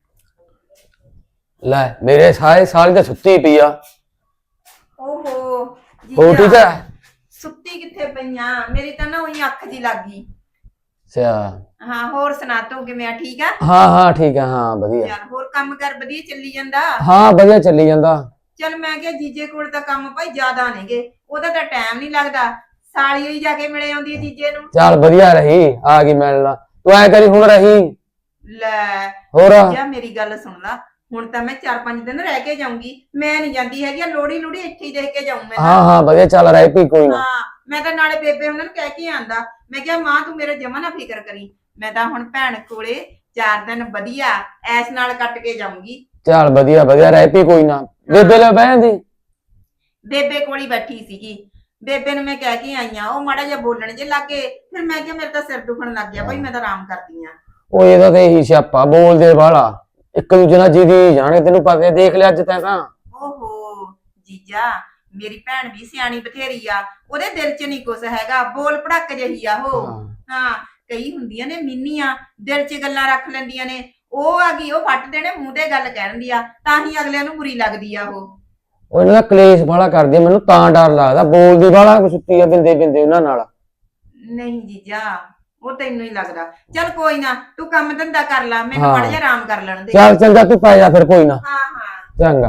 ਲੈ ਮੇਰੇ ਸਾਰੇ ਸਾਲ ਦਾ ਸੁੱਤੀ ਪਈ ਆ।
ਓਹੋ
ਹੋ ਠੀਕ ਹੈ?
ਸੁੱਤੀ ਕਿੱਥੇ ਪਈਆਂ, ਮੇਰੀ ਤਾਂ ਨਾ ਉਹੀ ਅੱਖ ਜੀ ਲੱਗ ਗਈ।
ਅੱਛਾ
ਹਾਂ ਹੋਰ ਸੁਣਾ ਤੂੰ ਕਿਵੇਂ ਆ? ਠੀਕ ਆ?
ਹਾਂ ਹਾਂ ਠੀਕ ਆ, ਹਾਂ ਵਧੀਆ।
ਯਾਰ ਹੋਰ ਕੰਮ ਕਰ ਵਧੀਆ ਚੱਲੀ ਜਾਂਦਾ?
ਹਾਂ ਵਧੀਆ ਚੱਲੀ ਜਾਂਦਾ।
ਚੱਲ ਮੈਂ ਕਿਹਾ ਜੀਜੇ ਕੋਲ ਤਾਂ ਕੰਮ ਭਾਈ ਜ਼ਿਆਦਾ ਨੇਗੇ, ਉਹਦਾ ਤਾਂ ਟਾਈਮ ਨਹੀਂ ਲੱਗਦਾ, ਸਾਲੀ ਹੋਈ ਜਾ ਕੇ ਮਿਲੇ ਆਉਂਦੀ ਹੈ ਜੀਜੇ ਨੂੰ।
ਚੱਲ ਵਧੀਆ ਰਹੀ, ਆ ਗਈ ਮਿਲਣਾ। ਤੂੰ ਐ ਕਰੀ ਹੁਣ ਰਹੀ
ਲੈ
ਹੋਰ।
ਜੀਜਾ ਮੇਰੀ ਗੱਲ ਸੁਣ ਲਾ, ਹੁਣ ਤਾਂ ਮੈਂ 4-5 ਦਿਨ ਰਹਿ ਕੇ ਜਾਊਂਗੀ, ਮੈਂ ਨਹੀਂ ਜਾਂਦੀ ਹੈਗੀ, ਲੋੜੀ ਲੂੜੀ ਇੱਥੇ ਹੀ ਦੇਖ ਕੇ ਜਾਊਂ ਮੈਂ।
ਹਾਂ ਹਾਂ ਵਧੀਆ ਚੱਲ ਰਹੀ ਪਈ ਕੋਈ ਨਾ।
ਹਾਂ ਮੈਂ ਤਾਂ ਨਾਲੇ ਬੇਬੇ ਉਹਨਾਂ ਨੂੰ ਕਹਿ ਕੇ ਆਂਦਾ, ਮੈਂ ਕਿਹਾ ਮਾਂ ਤੂੰ ਮੇਰਾ ਜਮਾ ਨਾ ਫਿਕਰ ਕਰੀ, ਮੈਂ ਤਾਂ ਹੁਣ ਭੈਣ ਕੋਲੇ 4 ਦਿਨ ਵਧੀਆ ਐਸ ਨਾਲ ਕੱਟ ਕੇ ਜਾਊਂਗੀ।
ਚੱਲ ਵਧੀਆ ਵਧੀਆ ਰਹਿ ਪਈ ਕੋਈ ਨਾ। ਬੇਬੇ ਲੈ ਬਹਿ ਜਾਂਦੀ।
ਬੇਬੇ ਕੋਲ ਹੀ ਬੈਠੀ ਸੀਗੀ, ਬੇਬੇ ਨੂੰ ਮੈਂ ਕਹਿ ਕੇ ਆਈ ਆ, ਉਹ ਮਾੜਾ ਜਿਹਾ ਬੋਲਣ ਜੇ ਲੱਗੇ, ਫਿਰ ਮੈਂ ਕਿਹਾ ਮੇਰੇ ਤਾਂ ਸਿਰ ਦੁਖਣ ਲੱਗ ਗਿਆ ਭਾਈ, ਮੈਂ ਤਾਂ ਆਰਾਮ ਕਰਦੀ ਆ।
ਉਹ ਇਹਦਾ ਤੇ ਇਹੀ ਸਿਆਪਾ, ਬੋਲਦੇ ਵਾਲਾ ਇੱਕ ਦੂਜੇ ਨਾਲ ਜਿਹਦੀ ਜਾਣੇ, ਤੈਨੂੰ ਪਤਾ ਦੇਖ ਲਿਆ ਅੱਜ ਤੈਂ ਤਾਂ।
ਓਹੋ ਜੀਜਾ ਮੇਰੀ ਭੈਣ ਵੀ ਸਿਆਣੀ ਬਥੇਰੀ ਆ, ਉਹਦੇ ਦਿਲ 'ਚ ਨਹੀਂ ਕੁਛ ਹੈਗਾ, ਬੋਲ ਭੜਕ ਜਿਹੀ ਆ ਉਹ। ਹਾਂ ਕਈ ਹੁੰਦੀਆਂ ਨੇ ਮੀਨੀਆਂ, ਦਿਲ 'ਚ ਗੱਲਾਂ ਰੱਖ ਲੈਂਦੀਆਂ ਨੇ, ਉਹ ਆ ਗਈ ਉਹ ਫੱਟ ਦੇਣੇ ਮੂੰਹ ਤੇ ਗੱਲ ਕਹਿ ਦਿੰਦੀ ਆ, ਤਾਂ ਹੀ ਅਗਲਿਆਂ ਨੂੰ ਬੁਰੀ ਲੱਗਦੀ ਆ ਉਹ
ਇਹਨਾਂ ਦਾ ਕਲੇਸ਼ ਵਾਲਾ ਕਰਦੀ ਆ, ਮੈਨੂੰ ਤਾਂ ਡਰ ਲੱਗਦਾ, ਬੋਲਦੀ ਵਾਲਾ ਸੁੱਤੀ ਆ ਬਿੰਦੇ ਬਿੰਦੇ ਉਹਨਾਂ ਨਾਲ।
ਨਹੀਂ ਜੀਜਾ ਉਹ ਤੈਨੂੰ ਹੀ ਲੱਗਦਾ। ਚੱਲ ਕੋਈ ਨਾ ਤੂੰ ਕੰਮ ਧੰਦਾ ਕਰ ਲੈ, ਮੈਨੂੰ ਮਾੜਾ ਜਿਹਾ ਆਰਾਮ ਕਰ ਲੈਣ ਦੇ।
ਚੱਲ ਚੰਗਾ ਤੂੰ ਪੈ ਜਾ ਫਿਰ ਕੋਈ ਨਾ।
ਹਾਂ ਹਾਂ
ਚੰਗਾ।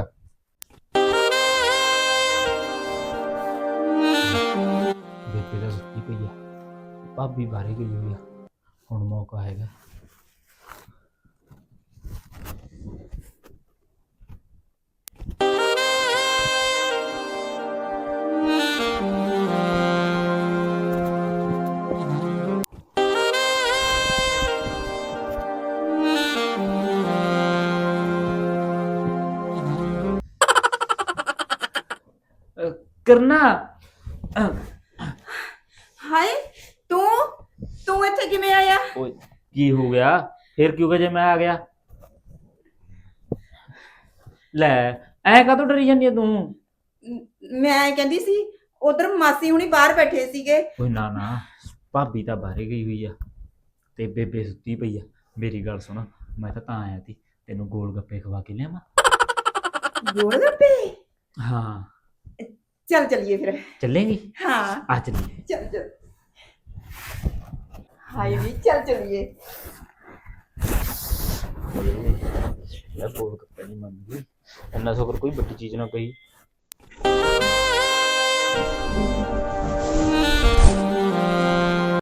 ਬੇਬੇ ਦਾ ਸੁੱਤੀ ਪਈ ਆ, ਭਾਬੀ ਬਾਹਰੇ ਗਈ ਹੋਈ ਆ, ਹੁਣ ਮੌਕਾ ਹੈਗਾ। ਕਰਨਾ
ਹਾਏ ਤੂੰ ਇੱਥੇ ਕਿਵੇਂ ਆਇਆ?
ਓਏ ਕੀ ਹੋ ਗਿਆ ਫਿਰ? ਕਿਉਂ ਕਿ ਜੇ ਮੈਂ ਆ ਗਿਆ? ਲੈ ਐ ਕਾਹਤੋਂ ਡਰੀ ਜਾਂਦੀ ਆ ਤੂੰ?
ਮੈਂ ਕਹਿੰਦੀ ਸੀ ਉਧਰ ਮਾਸੀ ਹੁਣੀ ਬਾਹਰ ਬੈਠੇ ਸੀਗੇ।
ਓਏ ਨਾ ਨਾ, ਭਾਬੀ ਤਾਂ ਬਾਹਰੇ ਗਈ ਹੋਈ ਆ ਤੇ ਬੇਬੇ ਸੁੱਤੀ ਪਈ ਆ। ਮੇਰੀ ਗੱਲ ਸੁਣ, ਮੈਂ ਤਾਂ ਆਇਆ ਸੀ ਤੈਨੂੰ ਗੋਲ ਗੱਪੇ ਖਵਾ ਕੇ ਲਿਆਵਾਂ।
ਗੋਲ ਗੱਪੇ?
ਹਾਂ
ਚੱਲ ਚੱਲੀਏ ਫਿਰ।
ਚੱਲੇਂਗੀ?
ਹਾਂ
ਆ ਚੱਲੀਏ।
ਚੱਲ ਚੱਲ। ਹਾਏ ਵੀ ਚੱਲ ਚੱਲੀਏ।
ਲੈ ਗੋਲ ਗੱਪੇ ਨਹੀਂ ਮੰਗਦੀ, ਇੰਨਾ ਸ਼ੁਕਰ ਕੋਈ ਵੱਡੀ ਚੀਜ਼ ਨਾ ਕਹੀ।